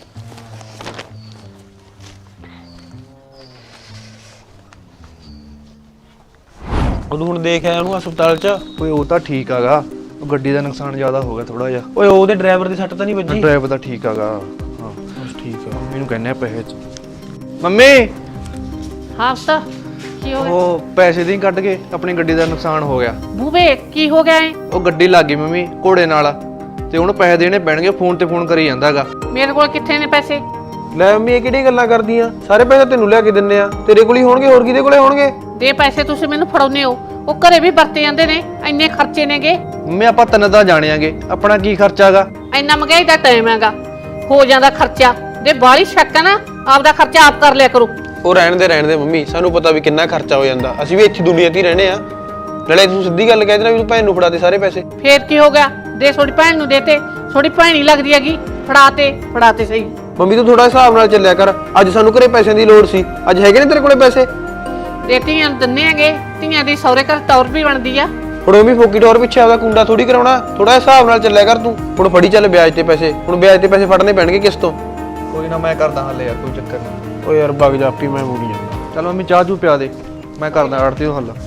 E: ਉਹਨੂੰ ਹੁਣ ਦੇਖ ਆਇਆ ਉਹਨੂੰ ਹਸਪਤਾਲ 'ਚ।
F: ਓਏ ਉਹ ਤਾਂ ਠੀਕ ਹੈਗਾ, ਉਹ ਗੱਡੀ ਦਾ ਨੁਕਸਾਨ ਜ਼ਿਆਦਾ ਹੋ ਗਿਆ ਥੋੜਾ ਜਿਹਾ।
E: ਓਏ ਉਹਦੇ ਡਰਾਈਵਰ ਦੀ ਸੱਟ ਤਾਂ ਨਹੀਂ ਵੱਜੀ?
F: ਡਰਾਈਵਰ ਤਾਂ ਠੀਕ ਹੈਗਾ। ਹਾਂ
E: ਠੀਕ ਆ।
F: ਮੈਨੂੰ ਕਹਿੰਦੇ ਆ ਪੈਸੇ ਚ।
E: ਮੰਮੀ
G: ਹਾਂ ਪੁੱਤ, ਕੀ ਹੋ ਗਿਆ?
F: ਉਹ ਪੈਸੇ ਦੀ ਕੱਢ ਕੇ ਆਪਣੀ ਗੱਡੀ ਦਾ ਨੁਕਸਾਨ ਹੋ ਗਿਆ।
G: ਬੂਬੇ ਕੀ ਹੋ ਗਿਆ ਏ?
F: ਉਹ ਗੱਡੀ ਲੱਗ ਗਈ ਮੰਮੀ ਘੋੜੇ ਨਾਲ, ਤੇ ਉਹਨੂੰ ਪੈਸੇ ਦੇਣੇ ਪੈਣਗੇ। ਫੋਨ ਤੇ ਫੋਨ ਕਰੀ ਜਾਂਦਾਗਾ।
G: ਮੇਰੇ ਕੋਲ ਕਿੱਥੇ ਨੇ ਪੈਸੇ?
E: ਲੈ ਮੰਮੀ ਇਹ ਕਿਹੜੀ ਗੱਲਾਂ ਕਰਦੀਆਂ? ਸਾਰੇ ਪੈਸੇ ਤੈਨੂੰ ਲਿਆ ਕੇ ਦਿੰਨੇ ਆ, ਤੇਰੇ ਕੋਲ ਹੀ ਹੋਣਗੇ, ਹੋਰ ਕਿਹਦੇ ਕੋਲੇ ਹੋਣਗੇ?
G: ਦੇ ਪੈਸੇ ਤੁਸੀਂ ਮੈਨੂੰ ਫੜਾਉਨੇ ਹੋ, ਉਹ ਘਰੇ ਵੀ ਵਰਤੇ ਜਾਂਦੇ ਨੇ, ਇੰਨੇ ਖਰਚੇ ਨੇਗੇ।
F: ਮੰਮੀ ਆਪਾਂ ਤਿੰਨ ਤਾਂ ਜਾਣਿਆਂਗੇ, ਆਪਣਾ ਕੀ ਖਰਚਾ ਹੈਗਾ?
G: ਇੰਨਾ ਮਹਿੰਗਾਈ ਦਾ ਟਾਈਮ ਹੈਗਾ, ਹੋ ਜਾਂਦਾ ਖਰਚਾ। ਜੇ ਬਾਹਲੀ ਸ਼ੱਕ ਹੈ ਨਾ, ਆਪਦਾ ਖਰਚਾ ਆਪ ਕਰ ਲਿਆ ਕਰੋ।
E: ਉਹ ਰਹਿਣ ਦੇ ਮੰਮੀ, ਸਾਨੂੰ ਪਤਾ ਵੀ ਕਿੰਨਾ ਖਰਚਾ ਹੋ ਜਾਂਦਾ। ਅਸੀਂ ਵੀ ਇੱਥੇ ਦੁਨੀਆ 'ਤੇ ਹੀ ਰਹਿੰਦੇ ਆ। ਨਾਲੇ ਤੂੰ ਸਿੱਧੀ ਗੱਲ ਕਹਿ ਦੇਣਾ ਵੀ ਤੂੰ ਭੈਣ ਨੂੰ ਫੜਾ ਦੇ ਸਾਰੇ ਪੈਸੇ।
G: ਫੇਰ ਕੀ ਹੋ ਗਿਆ? ਦੇ ਥੋੜੀ ਭੈਣ ਨੂੰ ਦੇਤੇ, ਥੋੜੀ ਭੈਣ ਹੀ ਲੱਗਦੀ ਹੈਗੀ। ਫੜਾਤੇ ਸਹੀ।
E: ਮੰਮੀ ਤੂੰ ਥੋੜਾ ਹਿਸਾਬ ਨਾਲ ਚੱਲਿਆ ਕਰ। ਅੱਜ ਸਾਨੂੰ ਘਰੇ ਪੈਸਿਆਂ ਦੀ ਲੋੜ ਸੀ, ਅੱਜ ਹੈਗੇ ਨੇ ਤੇਰੇ ਕੋਲੇ ਪੈਸੇ?
G: ਦੇ ਧੀਆਂ ਨੂੰ ਦਿੰਨੇ ਹੈਗੇ, ਧੀਆਂ ਦੀ ਸਹੁਰੇ ਘਰ ਟੌਰ ਵੀ ਬਣਦੀ ਆ।
E: ਹੁਣ ਉਹ ਵੀ ਫੋਕੀ ਟੌਰ ਪਿੱਛੇ ਆਪਦਾ ਕੁੰਡਾ ਥੋੜੀ ਕਰਾਉਣਾ। ਥੋੜਾ ਹਿਸਾਬ ਨਾਲ ਚੱਲਿਆ ਕਰ ਤੂੰ। ਹੁਣ ਫੜੀ ਚੱਲ ਵਿਆਜ ਤੇ ਪੈਸੇ, ਹੁਣ ਵਿਆਜ ਤੇ ਪੈਸੇ ਫੜਨੇ ਪੈਣਗੇ ਕਿਸ ਤੋਂ?
F: ਕੋਈ ਨਾ ਮੈਂ ਕਰਦਾ ਹੱਲ ਯਾਰ, ਕੋਈ ਚੱਕਰ ਨਹੀਂ।
E: ਓ ਯਾਰ ਵਗ ਜਾ, ਆਪੀ ਮੈਂ ਮੁੜੀ ਜਾਂਦਾ।
F: ਚਲ ਮੰਮੀ ਚਾਹ ਚੂ ਪਿਆ ਦੇ, ਮੈਂ ਕਰਦਾ ਆੜਤੀ ਤੋਂ ਹੱਲ।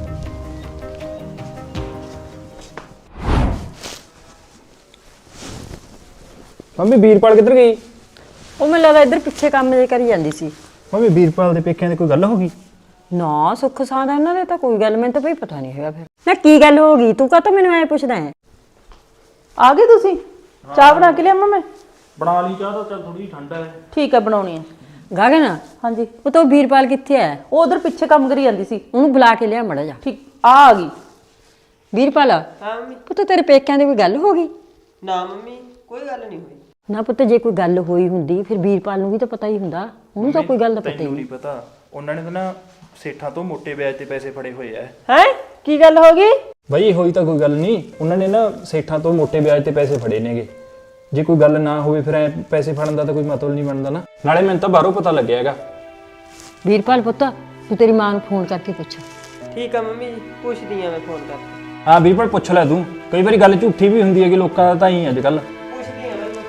B: ਮੰਮੀ ਵੀਰਪਾਲ ਕਿੱਧਰ ਗਈ?
C: ਉਹ ਮੈਨੂੰ ਲੱਗਦਾ ਇੱਧਰ ਪਿੱਛੇ ਕੰਮ ਜੇ ਕਰੀ ਜਾਂਦੀ ਸੀ।
B: ਮੰਮੀ ਵੀਰਪਾਲ ਦੇ ਪੇਕਿਆਂ ਦੀ ਕੋਈ ਗੱਲ ਹੋ ਗਈ?
C: ਨਾ ਸੁੱਖ ਸਾਂਦ ਇਹਨਾਂ ਦੇ ਤਾਂ ਕੋਈ ਗੱਲ, ਮੈਨੂੰ ਤਾਂ ਬਈ ਪਤਾ ਨਹੀਂ ਹੈਗਾ। ਫਿਰ ਨਾ ਕੀ ਗੱਲ ਹੋ ਗਈ? ਤੂੰ ਕਾਹਤੋਂ ਮੈਨੂੰ ਐ ਪੁੱਛਦਾ ਹੈ?
A: ਆ ਗਏ ਤੁਸੀਂ? ਚਾਹ ਬਣਾ ਕੇ ਲਿਆਵਾਂ ਮੈਂ?
F: ਬਣਾ ਲਈ ਚਾਹ ਤਾਂ, ਚੱਲ ਥੋੜੀ ਠੰਡਾ ਹੈ।
A: ਠੀਕ ਆ, ਬਣਾਉਣੀ ਆ।
C: ਗਗਨ,
A: ਹਾਂਜੀ।
C: ਉਹ ਤਾਂ ਵੀਰਪਾਲ ਕਿੱਥੇ ਹੈ?
A: ਉਹ ਉਧਰ ਪਿੱਛੇ ਕੰਮ ਕਰੀ ਜਾਂਦੀ ਸੀ।
C: ਉਹਨੂੰ ਬੁਲਾ ਕੇ ਲਿਆ ਮੜਾ ਜਾ।
A: ਠੀਕ ਆ ਗਈ।
C: ਵੀਰਪਾਲ,
D: ਹਾਂ ਮੰਮੀ।
C: ਪੁੱਤ ਤੇਰੇ ਪੇਕਿਆਂ ਦੀ ਕੋਈ ਗੱਲ ਹੋ ਗਈ?
D: ਨਾ ਮੰਮੀ, ਕੋਈ ਗੱਲ ਨਹੀਂ ਹੋਈ।
C: ਨਾ ਪੁੱਤ, ਜੇ ਕੋਈ ਗੱਲ ਹੋਈ ਹੁੰਦੀ ਫਿਰ ਵੀਰਪਾਲ ਨੂੰ ਵੀ ਤਾਂ ਪਤਾ ਹੀ ਹੁੰਦਾ। ਉਹਨੂੰ ਤਾਂ ਕੋਈ ਗੱਲ ਦਾ ਪਤਾ ਹੀ
J: ਤੈਨੂੰ
C: ਨਹੀਂ।
J: ਨਹੀਂ ਪਤਾ, ਉਹਨਾਂ ਨੇ ਤਾਂ ਨਾ ਸੇਠਾਂ ਤੋਂ ਮੋਟੇ ਵਿਆਜ ਤੇ ਪੈਸੇ ਫੜੇ ਹੋਏ ਆ।
D: ਹੈ ਕੀ ਗੱਲ ਹੋ ਗਈ?
B: ਬਈ ਹੋਈ ਤਾਂ ਕੋਈ ਗੱਲ ਨਹੀਂ, ਉਹਨਾਂ ਨੇ ਨਾ ਸੇਠਾਂ ਤੋਂ ਮੋਟੇ ਵਿਆਜ ਤੇ ਪੈਸੇ ਫੜੇ ਨੇਗੇ। ਜੇ ਕੋਈ ਗੱਲ ਨਾ ਹੋਵੇ ਫਿਰ ਐ ਪੈਸੇ ਫੜਨ ਦਾ ਤਾਂ ਕੋਈ ਮਤਲਬ ਨਹੀਂ ਬਣਦਾ ਨਾ। ਨਾਲੇ ਮੈਨੂੰ ਤਾਂ ਬਾਹਰੋਂ ਪਤਾ ਲੱਗਿਆ ਹੈਗਾ।
C: ਵੀਰਪਾਲ ਪੁੱਤ, ਤੂੰ ਤੇਰੀ ਮਾਂ ਨੂੰ ਫੋਨ ਕਰਕੇ ਪੁੱਛ।
D: ਠੀਕ ਆ ਮੰਮੀ ਜੀ, ਪੁੱਛਦੀ ਆ ਮੈਂ ਫੋਨ ਕਰਕੇ।
B: ਹਾਂ ਵੀਰਪਾਲ ਪੁੱਛ ਲੈ ਤੂੰ, ਕਈ ਵਾਰੀ ਗੱਲ ਝੂਠੀ ਵੀ ਹੁੰਦੀ ਹੈਗੀ ਲੋਕਾਂ ਦਾ ਤਾਂ ਹੀ ਅੱਜ ਕੱਲ।
D: ਪੁੱਛਦੀ ਆ ਮੈਂ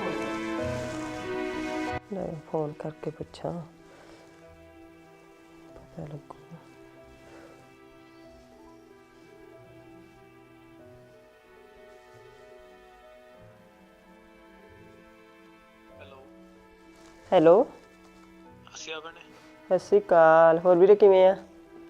D: ਫੋਨ ਕਰਕੇ ਪੁੱਛਾਂ, ਪਤਾ ਲੱਗੂਗਾ। ਹੈਲੋ। ਸਤਿ ਸ਼੍ਰੀ ਅਕਾਲ। ਹੋਰ ਵੀਰੇ ਕਿਵੇਂ ਆ?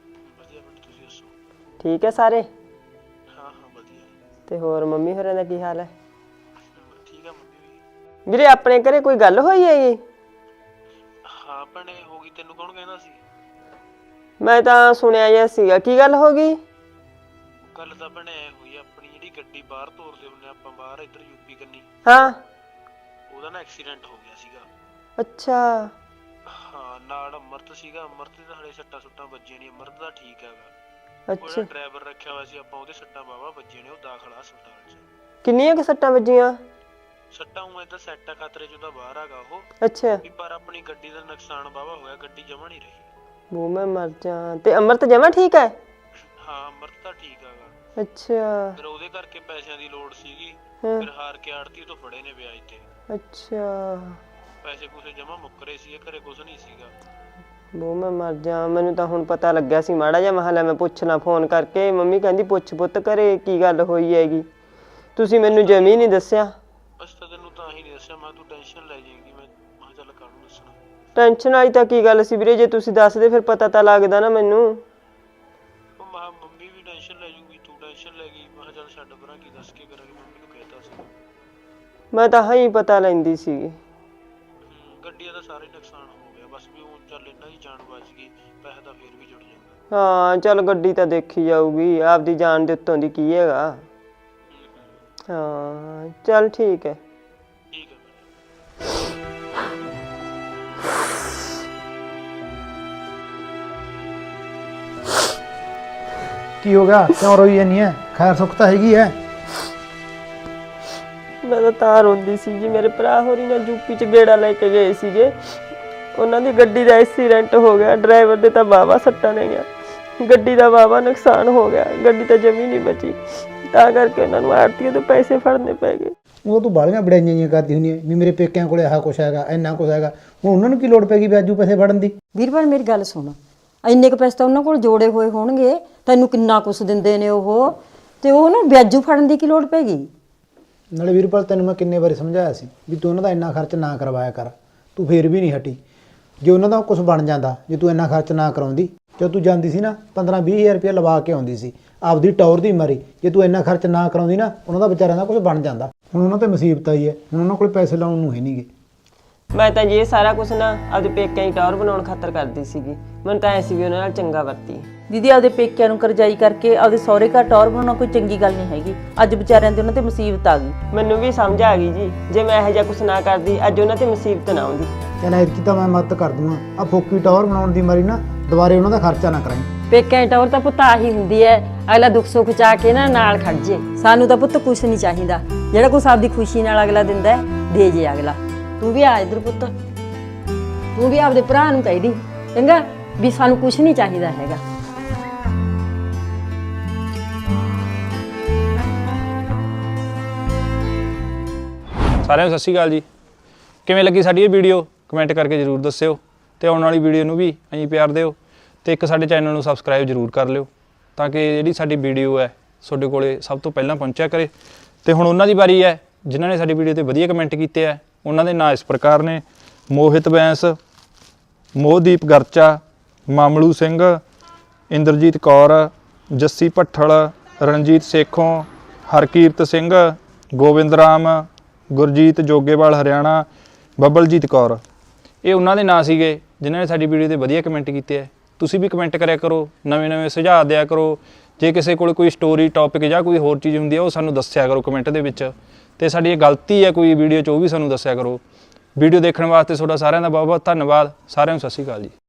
D: ਠੀਕ ਹੈ ਸਾਰੇ?
J: ਹਾਂ ਵਧੀਆ।
D: ਤੇ ਹੋਰ ਮੰਮੀ ਹੋਰਾਂ ਦਾ ਕੀ ਹਾਲ ਹੈ?
J: ਠੀਕ ਆ ਮੰਮੀ ਵੀ।
D: ਵੀਰੇ ਆਪਣੇ ਘਰੇ ਕੋਈ ਗੱਲ ਹੋਈ ਹੈਗੀ?
J: ਹਾਂ ਭੈਣੇ ਹੋ ਗਈ, ਤੈਨੂੰ ਕੌਣ ਕਹਿੰਦਾ ਸੀ?
D: ਮੈਂ ਤਾਂ ਸੁਣਿਆ ਜਿਹਾ ਸੀਗਾ, ਕੀ ਗੱਲ ਹੋ ਗਈ?
J: ਗੱਲ ਤਾਂ ਭੈਣੇ ਹੋਈ, ਆਪਣੀ ਜਿਹੜੀ ਗੱਡੀ ਬਾਹਰ ਤੋਰਦੇ ਹੁੰਦੇ ਆਪਾਂ ਬਾਹਰ ਇੱਧਰ ਯੂਪੀ ਕੰਨੀ,
D: ਹਾਂ।
J: ਉਹਦਾ ਨਾ ਐਕਸੀਡੈਂਟ ਹੋ ਗਿਆ ਸੀਗਾ।
D: ਅੱਛਾ।
J: ਹਾਂ ਨਾਲ ਅਮਰਤ ਸੀਗਾ, ਅਮਰਤ ਦੇ ਤਾਂ ਹਲੇ ਸੱਟਾਂ ਸੁੱਟਾਂ ਵੱਜੀਆਂ ਨਹੀਂ, ਅਮਰਤ ਦਾ ਠੀਕ ਹੈਗਾ।
D: ਅੱਛਾ।
J: ਉਹਦਾ ਡਰਾਈਵਰ ਰੱਖਿਆ ਹੋਇਆ ਸੀ ਆਪਾਂ, ਉਹਦੇ ਸੱਟਾਂ ਵਾਹਵਾ ਵੱਜੀਆਂ ਨੇ, ਉਹ ਦਾਖਲ ਆ ਹਸਪਤਾਲ 'ਚ।
D: ਕਿੰਨੀਆਂ ਕਿ ਸੱਟਾਂ ਵੱਜੀਆਂ?
J: ਸੱਟਾਂ ਉਹ ਏਦਾਂ ਸੈੱਟ ਆ, ਖਤਰੇ 'ਚ ਉਹਦਾ ਬਾਹਰ ਹੈਗਾ ਉਹ
D: ਅੱਛਾ।
J: ਵੀ, ਪਰ ਆਪਣੀ ਗੱਡੀ ਦਾ ਨੁਕਸਾਨ ਵਾਹਵਾ ਹੋਇਆ, ਗੱਡੀ ਜਮਾ ਨਹੀਂ ਰਹੀ।
D: ਮੂੰਹ ਮੈਂ ਮਰ ਜਾ। ਤੇ ਅਮਰਤ ਜਮਾ ਠੀਕ ਹੈ?
J: ਹਾਂ ਅਮਰਤ ਤਾਂ ਠੀਕ ਹੈਗਾ।
D: ਅੱਛਾ।
J: ਫਿਰ ਉਹਦੇ ਕਰਕੇ ਪੈਸਿਆਂ ਦੀ ਲੋੜ ਸੀਗੀ,
D: ਹਾਂ।
J: ਫਿਰ ਹਾਰ ਕੇ ਆੜਤੀ ਤੋਂ ਫੜੇ ਨੇ ਵਿਆਜ ਤੇ।
D: ਅੱਛਾ।
J: ਪੈਸੇ ਪੂਸੇ ਜਮਾ ਮੁੱਕ ਰਹੇ ਸੀ, ਘਰੇ ਕੁਝ ਨਹੀਂ ਸੀਗਾ।
D: ਬੋ ਮੈਂ ਮਰ ਜਾ, ਮੈਨੂੰ ਤਾਂ ਹੁਣ ਪਤਾ ਲੱਗਿਆ ਸੀ ਮਾੜਾ ਜਿਹਾ, ਮੈਂ ਲੈ ਮੈਂ ਪੁੱਛ ਲਾਂ ਫੋਨ ਕਰਕੇ। ਮੰਮੀ ਕਹਿੰਦੀ ਪੁੱਛ ਪੁੱਤ ਘਰੇ ਕੀ ਗੱਲ ਹੋਈ ਹੈਗੀ, ਤੁਸੀਂ ਮੈਨੂੰ ਜਮੀ ਨਹੀਂ ਦੱਸਿਆ।
J: ਬਸ ਤਾਂ ਤੈਨੂੰ ਤਾਂ ਹੀ ਨਹੀਂ ਦੱਸਿਆ, ਮੈਂ ਤੂੰ ਟੈਨਸ਼ਨ ਲੈ ਜਾਏਗੀ, ਮੈਂ ਚੱਲ ਕਾਹਨੂੰ ਦੱਸਣਾ।
D: ਟੈਨਸ਼ਨ ਵਾਲੀ ਤਾਂ ਕੀ ਗੱਲ ਸੀ ਵੀਰੇ, ਜੇ ਤੁਸੀਂ ਦੱਸਦੇ ਫਿਰ ਪਤਾ ਤਾਂ ਲੱਗਦਾ ਨਾ ਮੈਨੂੰ।
J: ਉਹ ਮੈਂ ਮੰਮੀ ਵੀ ਟੈਨਸ਼ਨ ਲੈ ਜੂਗੀ, ਤੂੰ ਟੈਨਸ਼ਨ ਲੈ ਗਈ, ਮੈਂ ਚੱਲ ਛੱਡ ਪਰਾਂ, ਕੀ ਦੱਸ ਕੇ ਕਰਾਂਗੇ, ਮੰਮੀ ਨੂੰ ਕਹਿਤਾ ਸੀ।
D: ਮੈਂ ਤਾਂ ਹਾਂ ਹੀ ਪਤਾ ਲੈਂਦੀ ਸੀਗੀ।
J: ਗੱਡੀਆਂ ਦਾ ਸਾਰਾ ਹੀ ਨੁਕਸਾਨ ਹੋ ਗਿਆ, ਬਸ ਵੀ ਹੁਣ ਚੱਲ ਇਹਨਾਂ ਦੀ ਜਾਨ ਬਚ ਗਈ, ਪੈਸਾ ਤਾਂ ਫੇਰ ਵੀ ਜੁੜ ਜਾਂਦਾ।
D: ਹਾਂ ਚੱਲ ਗੱਡੀ ਤਾਂ ਦੇਖੀ ਜਾਊਗੀ, ਆਪਦੀ ਜਾਨ ਦੇ ਉੱਤੋਂ ਦੀ ਕੀ ਹੈਗਾ। ਹਾਂ ਚੱਲ ਠੀਕ ਹੈ।
J: ਠੀਕ ਹੈ
H: ਕੀ ਹੋ ਗਿਆ, ਕਿਉਂ ਰੋਈ ਜਾਨੀ ਹੈ? ਖੈਰ ਸੁੱਖ ਤਾਂ ਹੈਗੀ ਹੈ।
D: ਮੈਂ ਤਾਂ ਰੋਂਦੀ ਸੀ ਜੀ, ਮੇਰੇ ਭਰਾ ਹੋਰੀ ਨਾਲ ਯੂਪੀ ਚ ਗੇੜਾ ਲੈ ਕੇ ਗਏ ਸੀਗੇ, ਉਹਨਾਂ ਦੀ ਗੱਡੀ ਦਾ ਐਕਸੀਡੈਂਟ ਹੋ ਗਿਆ, ਡਰਾਈਵਰ ਦੇ ਤਾਂ ਵਾਹਵਾ ਸੱਟਾਂ ਨੇ ਗਿਆ, ਗੱਡੀ ਦਾ ਵਾਹਵਾ ਨੁਕਸਾਨ ਹੋ ਗਿਆ, ਗੱਡੀ ਤਾਂ ਜਮੀ ਨਹੀਂ ਬਚੀ, ਤਾਂ ਕਰਕੇ ਉਹਨਾਂ ਨੂੰ ਆੜਤੀਏ ਤੋਂ ਪੈਸੇ ਫੜਨੇ ਪੈ ਗਏ।
H: ਉਹ ਤੂੰ ਬਾਲੀਆਂ ਬੜਾਈਆਂ ਕਰਦੀ ਹੁੰਦੀ ਹੈ ਵੀ ਮੇਰੇ ਪੇਕਿਆਂ ਕੋਲੇ ਆਹ ਕੁਛ ਹੈਗਾ, ਇੰਨਾ ਕੁਛ ਹੈਗਾ, ਹੁਣ ਉਹਨਾਂ ਨੂੰ ਕੀ ਲੋੜ ਪੈ ਗਈ ਵਿਆਜੂ ਪੈਸੇ ਫੜਨ ਦੀ?
C: ਵੀਰਪਾਲ ਮੇਰੀ ਗੱਲ ਸੁਣ, ਇੰਨੇ ਕੁ ਪੈਸੇ ਤਾਂ ਉਹਨਾਂ ਕੋਲ ਜੋੜੇ ਹੋਏ ਹੋਣਗੇ, ਤੈਨੂੰ ਕਿੰਨਾ ਕੁਛ ਦਿੰਦੇ ਨੇ ਉਹ, ਤੇ ਉਹ ਨਾ ਵਿਆਜੂ ਫੜਨ ਦੀ ਕੀ ਲੋੜ ਪੈ ਗਈ?
H: ਨਾਲੇ ਵੀਰਪਾਲ ਤੈਨੂੰ ਮੈਂ ਕਿੰਨੇ ਵਾਰੀ ਸਮਝਾਇਆ ਸੀ ਵੀ ਤੂੰ ਉਹਨਾਂ ਦਾ ਇੰਨਾ ਖਰਚ ਨਾ ਕਰਵਾਇਆ ਕਰ, ਤੂੰ ਫੇਰ ਵੀ ਨਹੀਂ ਹਟੀ। ਜੇ ਉਹਨਾਂ ਦਾ ਕੁਝ ਬਣ ਜਾਂਦਾ, ਜੇ ਤੂੰ ਇੰਨਾ ਖਰਚ ਨਾ ਕਰਾਉਂਦੀ, ਜਦੋਂ ਤੂੰ ਜਾਂਦੀ ਸੀ ਨਾ 15-20 ਰੁਪਏ ਲਵਾ ਕੇ ਆਉਂਦੀ ਸੀ ਆਪਦੀ ਟੌਰ ਦੀ ਮਾਰੀ, ਜੇ ਤੂੰ ਇੰਨਾ ਖਰਚ ਨਾ ਕਰਾਉਂਦੀ ਨਾ, ਉਹਨਾਂ ਦਾ ਵਿਚਾਰਿਆਂ ਦਾ ਕੁਝ ਬਣ ਜਾਂਦਾ। ਹੁਣ ਉਹਨਾਂ ਤੇ ਮੁਸੀਬਤ ਆਈ ਹੈ, ਹੁਣ ਉਹਨਾਂ ਕੋਲ ਪੈਸੇ ਲਾਉਣ ਨੂੰ ਹੈ ਨਹੀਂਗੇ।
D: ਮੈਂ ਤਾਂ ਜੀ ਇਹ ਸਾਰਾ ਕੁਝ ਨਾ ਆਪਦੇ ਪੇਕਿਆਂ ਦੀ ਟੌਰ ਬਣਾਉਣ ਖਾਤਰ ਕਰਦੀ ਸੀਗੀ, ਮੈਨੂੰ ਤਾਂ ਐ ਸੀ ਵੀ ਉਹਨਾਂ ਨਾਲ ਚੰਗਾ ਵਰਤੀ।
A: ਦੀਦੀ ਆਪਦੇ ਪੇਕਿਆਂ ਨੂੰ ਕਰਜ਼ਾਈ ਕਰਕੇ ਆਪਦੇ ਸਹੁਰੇ ਘਰ ਟੌਰ ਬਣਾਉਣਾ ਕੋਈ ਚੰਗੀ ਗੱਲ ਨਹੀਂ ਹੈਗੀ। ਅੱਜ ਵਿਚਾਰਿਆਂ ਦੇ ਉਹਨਾਂ ਤੇ ਮੁਸੀਬਤ ਆ ਗਈ।
D: ਮੈਨੂੰ ਵੀ ਸਮਝ ਆ ਗਈ ਜੀ, ਜੇ ਮੈਂ ਇਹੋ ਜਿਹਾ ਕੁਝ ਨਾ ਕਰਦੀ ਅੱਜ ਉਹਨਾਂ ਤੇ ਮੁਸੀਬਤ ਨਾ ਆਉਂਦੀ।
H: ਕਹਿੰਦਾ ਇਤਕੀ ਤਾਂ ਮੈਂ ਮਦਦ ਕਰ ਦੂੰਗਾ, ਆ ਫੋਕੀ ਟੌਰ ਬਣਾਉਣ ਦੀ ਮਾਰੀ ਨਾ ਦੁਬਾਰੇ ਉਹਨਾਂ ਦਾ ਖਰਚਾ ਨਾ ਕਰਾਈ।
C: ਪੇਕਿਆਂ ਦੀ ਟੌਰ ਤਾਂ ਪੁੱਤ ਆਹੀ ਹੁੰਦੀ ਹੈ, ਅਗਲਾ ਦੁੱਖ ਸੁੱਖ ਚ ਆ ਕੇ ਨਾ ਨਾਲ ਖੜ ਜੇ। ਸਾਨੂੰ ਤਾਂ ਪੁੱਤ ਕੁਛ ਨਹੀਂ ਚਾਹੀਦਾ, ਜਿਹੜਾ ਕੁਛ ਆਪਦੀ ਖੁਸ਼ੀ ਨਾਲ ਅਗਲਾ ਦਿੰਦਾ ਦੇ ਜੇ ਅਗਲਾ। ਤੂੰ ਵੀ ਆ ਇੱਧਰ ਪੁੱਤ, ਤੂੰ ਵੀ ਆਪਦੇ ਭਰਾ ਨੂੰ ਕਹਿ ਦੀ ਚੰਗਾ ਵੀ ਸਾਨੂੰ ਕੁਛ ਨਹੀਂ ਚਾਹੀਦਾ ਹੈਗਾ।
B: ਸਾਰਿਆਂ ਨੂੰ ਸਤਿ ਸ਼੍ਰੀ ਅਕਾਲ ਜੀ। ਕਿਵੇਂ ਲੱਗੀ ਸਾਡੀ ਇਹ ਵੀਡੀਓ ਕਮੈਂਟ ਕਰਕੇ ਜ਼ਰੂਰ ਦੱਸਿਓ, ਤੇ ਆਉਣ ਵਾਲੀ ਵੀਡੀਓ ਨੂੰ ਵੀ ਐਂ ਪਿਆਰ ਦਿਓ, ਤੇ ਇੱਕ ਸਾਡੇ ਚੈਨਲ ਨੂੰ ਸਬਸਕ੍ਰਾਈਬ ਜ਼ਰੂਰ ਕਰ ਲਿਓ, ਤਾਂ ਕਿ ਜਿਹੜੀ ਸਾਡੀ ਵੀਡੀਓ ਹੈ ਤੁਹਾਡੇ ਕੋਲੇ ਸਭ ਤੋਂ ਪਹਿਲਾਂ ਪਹੁੰਚਿਆ ਕਰੇ। ਤੇ ਹੁਣ ਉਹਨਾਂ ਦੀ ਵਾਰੀ ਹੈ ਜਿਨ੍ਹਾਂ ਨੇ ਸਾਡੀ ਵੀਡੀਓ ਤੇ ਵਧੀਆ ਕਮੈਂਟ ਕੀਤੇ ਆ। ਉਹਨਾਂ ਦੇ ਨਾਂ ਇਸ ਪ੍ਰਕਾਰ ਨੇ: ਮੋਹਿਤ ਬੈਂਸ, ਮੋਹਦੀਪ ਗਰਚਾ, ਮਾਮਲੂ ਸਿੰਘ, ਇੰਦਰਜੀਤ ਕੌਰ, ਜੱਸੀ ਭੱਠਲ, ਰਣਜੀਤ ਸੇਖੋਂ, ਹਰਕੀਰਤ ਸਿੰਘ, ਗੋਬਿੰਦ ਰਾਮ, ਗੁਰਜੀਤ ਜੋਗੇਵਾਲ ਹਰਿਆਣਾ, ਬੱਬਲਜੀਤ ਕੌਰ। ਇਹ ਉਹਨਾਂ ਦੇ ਨਾਂ ਸੀਗੇ ਜਿਨ੍ਹਾਂ ਨੇ ਸਾਡੀ ਵੀਡੀਓ ਤੇ ਵਧੀਆ ਕਮੈਂਟ ਕੀਤੇ ਹੈ। ਤੁਸੀਂ ਵੀ ਕਮੈਂਟ ਕਰਿਆ ਕਰੋ, ਨਵੇਂ ਸੁਝਾਅ ਦਿਆ ਕਰੋ। ਜੇ ਕਿਸੇ ਕੋਲ ਕੋਈ ਸਟੋਰੀ ਟੌਪਿਕ ਜਾਂ ਕੋਈ ਹੋਰ ਚੀਜ਼ ਹੁੰਦੀ ਹੈ ਉਹ ਸਾਨੂੰ ਦੱਸਿਆ ਕਰੋ ਕਮੈਂਟ ਦੇ ਵਿੱਚ, ਤੇ ਸਾਡੀ ਇਹ ਗਲਤੀ ਹੈ ਕੋਈ ਵੀਡੀਓ 'ਚ ਉਹ ਵੀ ਸਾਨੂੰ ਦੱਸਿਆ ਕਰੋ। ਵੀਡੀਓ ਦੇਖਣ ਵਾਸਤੇ ਤੁਹਾਡਾ ਸਾਰਿਆਂ ਦਾ ਬਹੁਤ ਬਹੁਤ ਧੰਨਵਾਦ। ਸਾਰਿਆਂ ਨੂੰ ਸਤਿ ਸ਼੍ਰੀ ਅਕਾਲ ਜੀ।